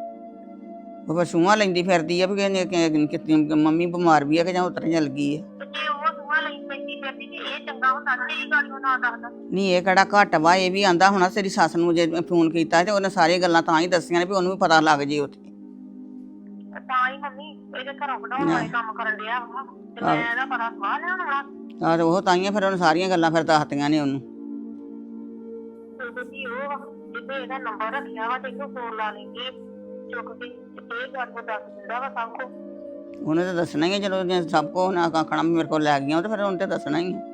Speaker 4: ਉਹ ਫਿਰ ਸੂਹਾਂ ਲੈਂਦੀ ਫਿਰਦੀ ਆ ਵੀ ਕਿਤੇ ਮੰਮੀ ਬਿਮਾਰ ਵੀ ਆ ਕਿ ਜਾਂ ਉਤਰ ਚੱਲ ਗਈ ਹੈ।
Speaker 5: ਤੇ ਜੇ ਉਹ ਸੂਹਾ ਲਈ ਪੈਂਦੀ ਫਿਰਦੀ ਤੇ ਇਹ ਚੰਗਾ ਹੁੰਦਾ ਨਾ ਇਹ ਗੱਲ ਉਹ ਨਾ ਦੱਸਦਾ।
Speaker 4: ਨਹੀਂ ਇਹ ਕਿਹੜਾ ਘੱਟ ਵਾ, ਇਹ ਵੀ ਆਂਦਾ ਹੋਣਾ ਤੇਰੀ ਸੱਸ ਨੂੰ ਜੇ ਫੋਨ ਕੀਤਾ ਤੇ ਉਹਨੇ ਸਾਰੀਆਂ ਗੱਲਾਂ ਤਾਂ ਹੀ ਦੱਸੀਆਂ ਨੇ ਵੀ ਉਹਨੂੰ ਵੀ ਪਤਾ ਲੱਗ ਜੇ ਉੱਥੇ।
Speaker 5: ਤਾਂ ਹੀ ਮੰਮੀ ਇਹਦੇ ਘਰੋਂ ਕਢਾਉਣ ਵਾਲੇ ਕੰਮ ਕਰਨ ਡਿਆ ਵਾ ਤੇ ਮੈਂ ਇਹਦਾ ਪਤਾ ਸਵਾਹ ਲੈਣ ਵਾਲਾ।
Speaker 4: ਆਹ ਤੇ ਉਹ ਤਾਈਆਂ ਫਿਰ ਉਹਨੇ ਸਾਰੀਆਂ ਗੱਲਾਂ ਫਿਰ ਦੱਸਤੀਆਂ ਨੇ ਉਹਨੂੰ।
Speaker 5: ਤੇ ਜੀ ਉਹ ਜਿੱਦੇ ਇਹਦਾ ਨੰਬਰ ਰੱਖਿਆ ਵਾ ਤੇ ਇਹਨੂੰ ਫੋਨ ਲਾ ਲੈਂਦੀ ਚੁੱਕ ਕੇ ਤੇ ਇਹ ਗੱਲ ਨੂੰ ਦੱਸ ਦਿੰਦਾ ਵਾ ਸਭ ਕੁਝ।
Speaker 4: ਉਹਨੇ ਤਾਂ ਦੱਸਣਾ ਹੀ ਹੈ, ਜਦੋਂ ਜੇ ਸਭ ਕੋ ਨਾ ਆਖਣਾ ਮੇਰੇ ਕੋਲ ਲੈ ਗਈਆਂ ਤੇ ਫਿਰ ਉਹਨੇ ਤਾਂ ਦੱਸਣਾ ਹੀ ਹੈ।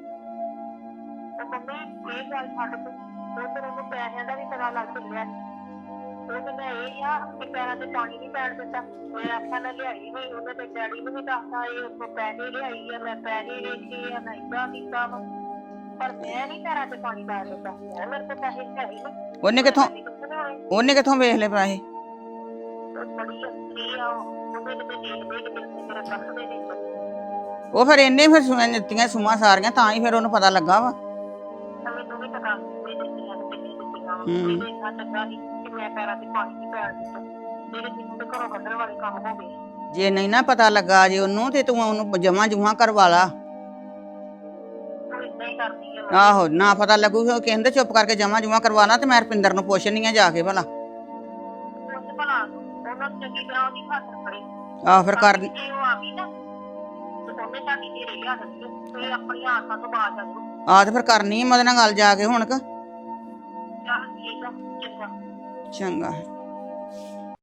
Speaker 5: ਤੇ ਮੰਮੀ ਇਹ ਗੱਲ ਛੱਡ ਕੇ ਉਹ ਫਿਰ ਉਹਨੂੰ ਪੈਸਿਆਂ ਦਾ ਵੀ ਪਤਾ ਲੱਗ ਚੱਲਿਆ। ਉਹ ਕਹਿੰਦਾ ਇਹ ਆ ਕਿ ਪੈਰਾਂ ਤੇ ਪਾਣੀ ਨਹੀਂ ਪੈਣ ਦਿੱਤਾ। ਮੈਂ ਆਖਿਆ ਮੈਂ ਲਿਆਈ ਨਹੀਂ, ਉਹਨੇ ਤੇ ਡੈਡੀ ਨੂੰ ਵੀ ਦੱਸਦਾ ਇਹ ਉੱਥੋਂ ਪੈਸੇ ਲਿਆਈ ਆ, ਮੈਂ ਪੈਸੇ ਵੇਚੇ ਆ, ਮੈਂ ਏਦਾਂ ਕੀਤਾ ਵਾ, ਪਰ ਮੈਂ ਨਹੀਂ ਪੈਰਾਂ ਤੇ ਪਾਣੀ ਪੈਣ ਦਿੱਤਾ। ਮੈਂ ਮੇਰੇ ਕੋਲ ਪੈਸੇ ਹੈ ਹੀ ਨਹੀਂ।
Speaker 4: ਉਹਨੇ ਕਿੱਥੋਂ ਉਹਨੇ ਕਿੱਥੋਂ ਵੇਖ ਲਏ ਪੈਸੇ?
Speaker 5: ਬੜੀ ਅੱਛੀ ਆ ਉਹ, ਉਹਦੇ ਕਿਤੇ ਦੇਖਦੇ ਕਿਤੇ ਮੇਰੇ ਰੱਖਦੇ ਨੇ।
Speaker 4: ਉਹ ਫਿਰ ਇਹਨੇ ਫਿਰ ਸੁਣਨ ਦਿੱਤੀਆਂ ਸੂਹਾਂ ਸਾਰੀਆਂ ਤਾਂ ਹੀ ਫਿਰ ਉਹਨੂੰ ਪਤਾ ਲੱਗਾ ਵਾ।
Speaker 5: ਮੈਨੂੰ ਵੀ ਪਤਾ ਇਹ ਦਿੱਤੀਆਂ ਤੇ ਕਿੰਨੀ ਦਿੱਤੀਆਂ ਵਾ। ਇਹ ਇੰਨਾ ਚੰਗਾ ਨਹੀਂ ਕਿ ਮੈਂ ਪੈਰਾਂ ਤੇ ਪਾਣੀ ਨਹੀਂ ਪੈਣ ਦਿੱਤਾ। ਮੇਰੇ ਜਿਹਨੂੰ ਤੇ ਘਰੋਂ ਕੱਢਣ ਵਾਲੇ ਕੰਮ ਹੋ ਗਏ।
Speaker 4: ਜੇ ਨਹੀਂ ਨਾ ਪਤਾ ਲੱਗਾ ਜੇ ਉਹਨੂੰ ਤੇ ਤੂੰ ਉਹਨੂੰ ਜਮਾ ਜੁਮਾ ਕਰਵਾ ਲਾ।
Speaker 5: ਉਹ ਏਦਾਂ ਹੀ ਕਰਦੀ ਆ।
Speaker 4: ਆਹੋ ਨਾ ਪਤਾ ਲੱਗੂ ਉਹ ਕਹਿੰਦੇ ਚੁੱਪ ਕਰਕੇ ਜਮਾ ਜੁਮਾ ਕਰਵਾਣਾ ਤੇ ਮੈਂ ਰਪਿੰਦਰ ਨੂੰ ਪੁੱਛਣੀ ਆ ਜਾ ਕੇ ਭਲਾ।
Speaker 5: ਉਹ ਭਲਾ ਉਹਨਾਂ ਨੂੰ ਚੰਗੀ ਤਰ੍ਹਾਂ ਉਹਦੀ ਹੱਥ ਫੜੀ।
Speaker 4: ਆਹ ਫਿਰ ਕਰ
Speaker 5: ਜੇ ਉਹ ਆ ਗਈ ਨਾ ਤੇ ਉਹਨੇ ਸਾਡੀ ਢੇਰੀ ਲਿਆ ਦਿੱਤੀ ਤੇ ਆਪਣੀਆਂ ਆਸਾਂ ਤੋਂ ਬਾਜ ਆ ਜਾਊ।
Speaker 4: ਆਹ ਤੇ ਫਿਰ ਕਰਨੀ ਆ ਉਹਦੇ ਨਾਲ ਗੱਲ ਜਾ ਕੇ ਹੁਣ ਕ
Speaker 5: ਚੱਲ ਠੀਕ ਆ ਚੰਗਾ।
Speaker 4: ਚੰਗਾ।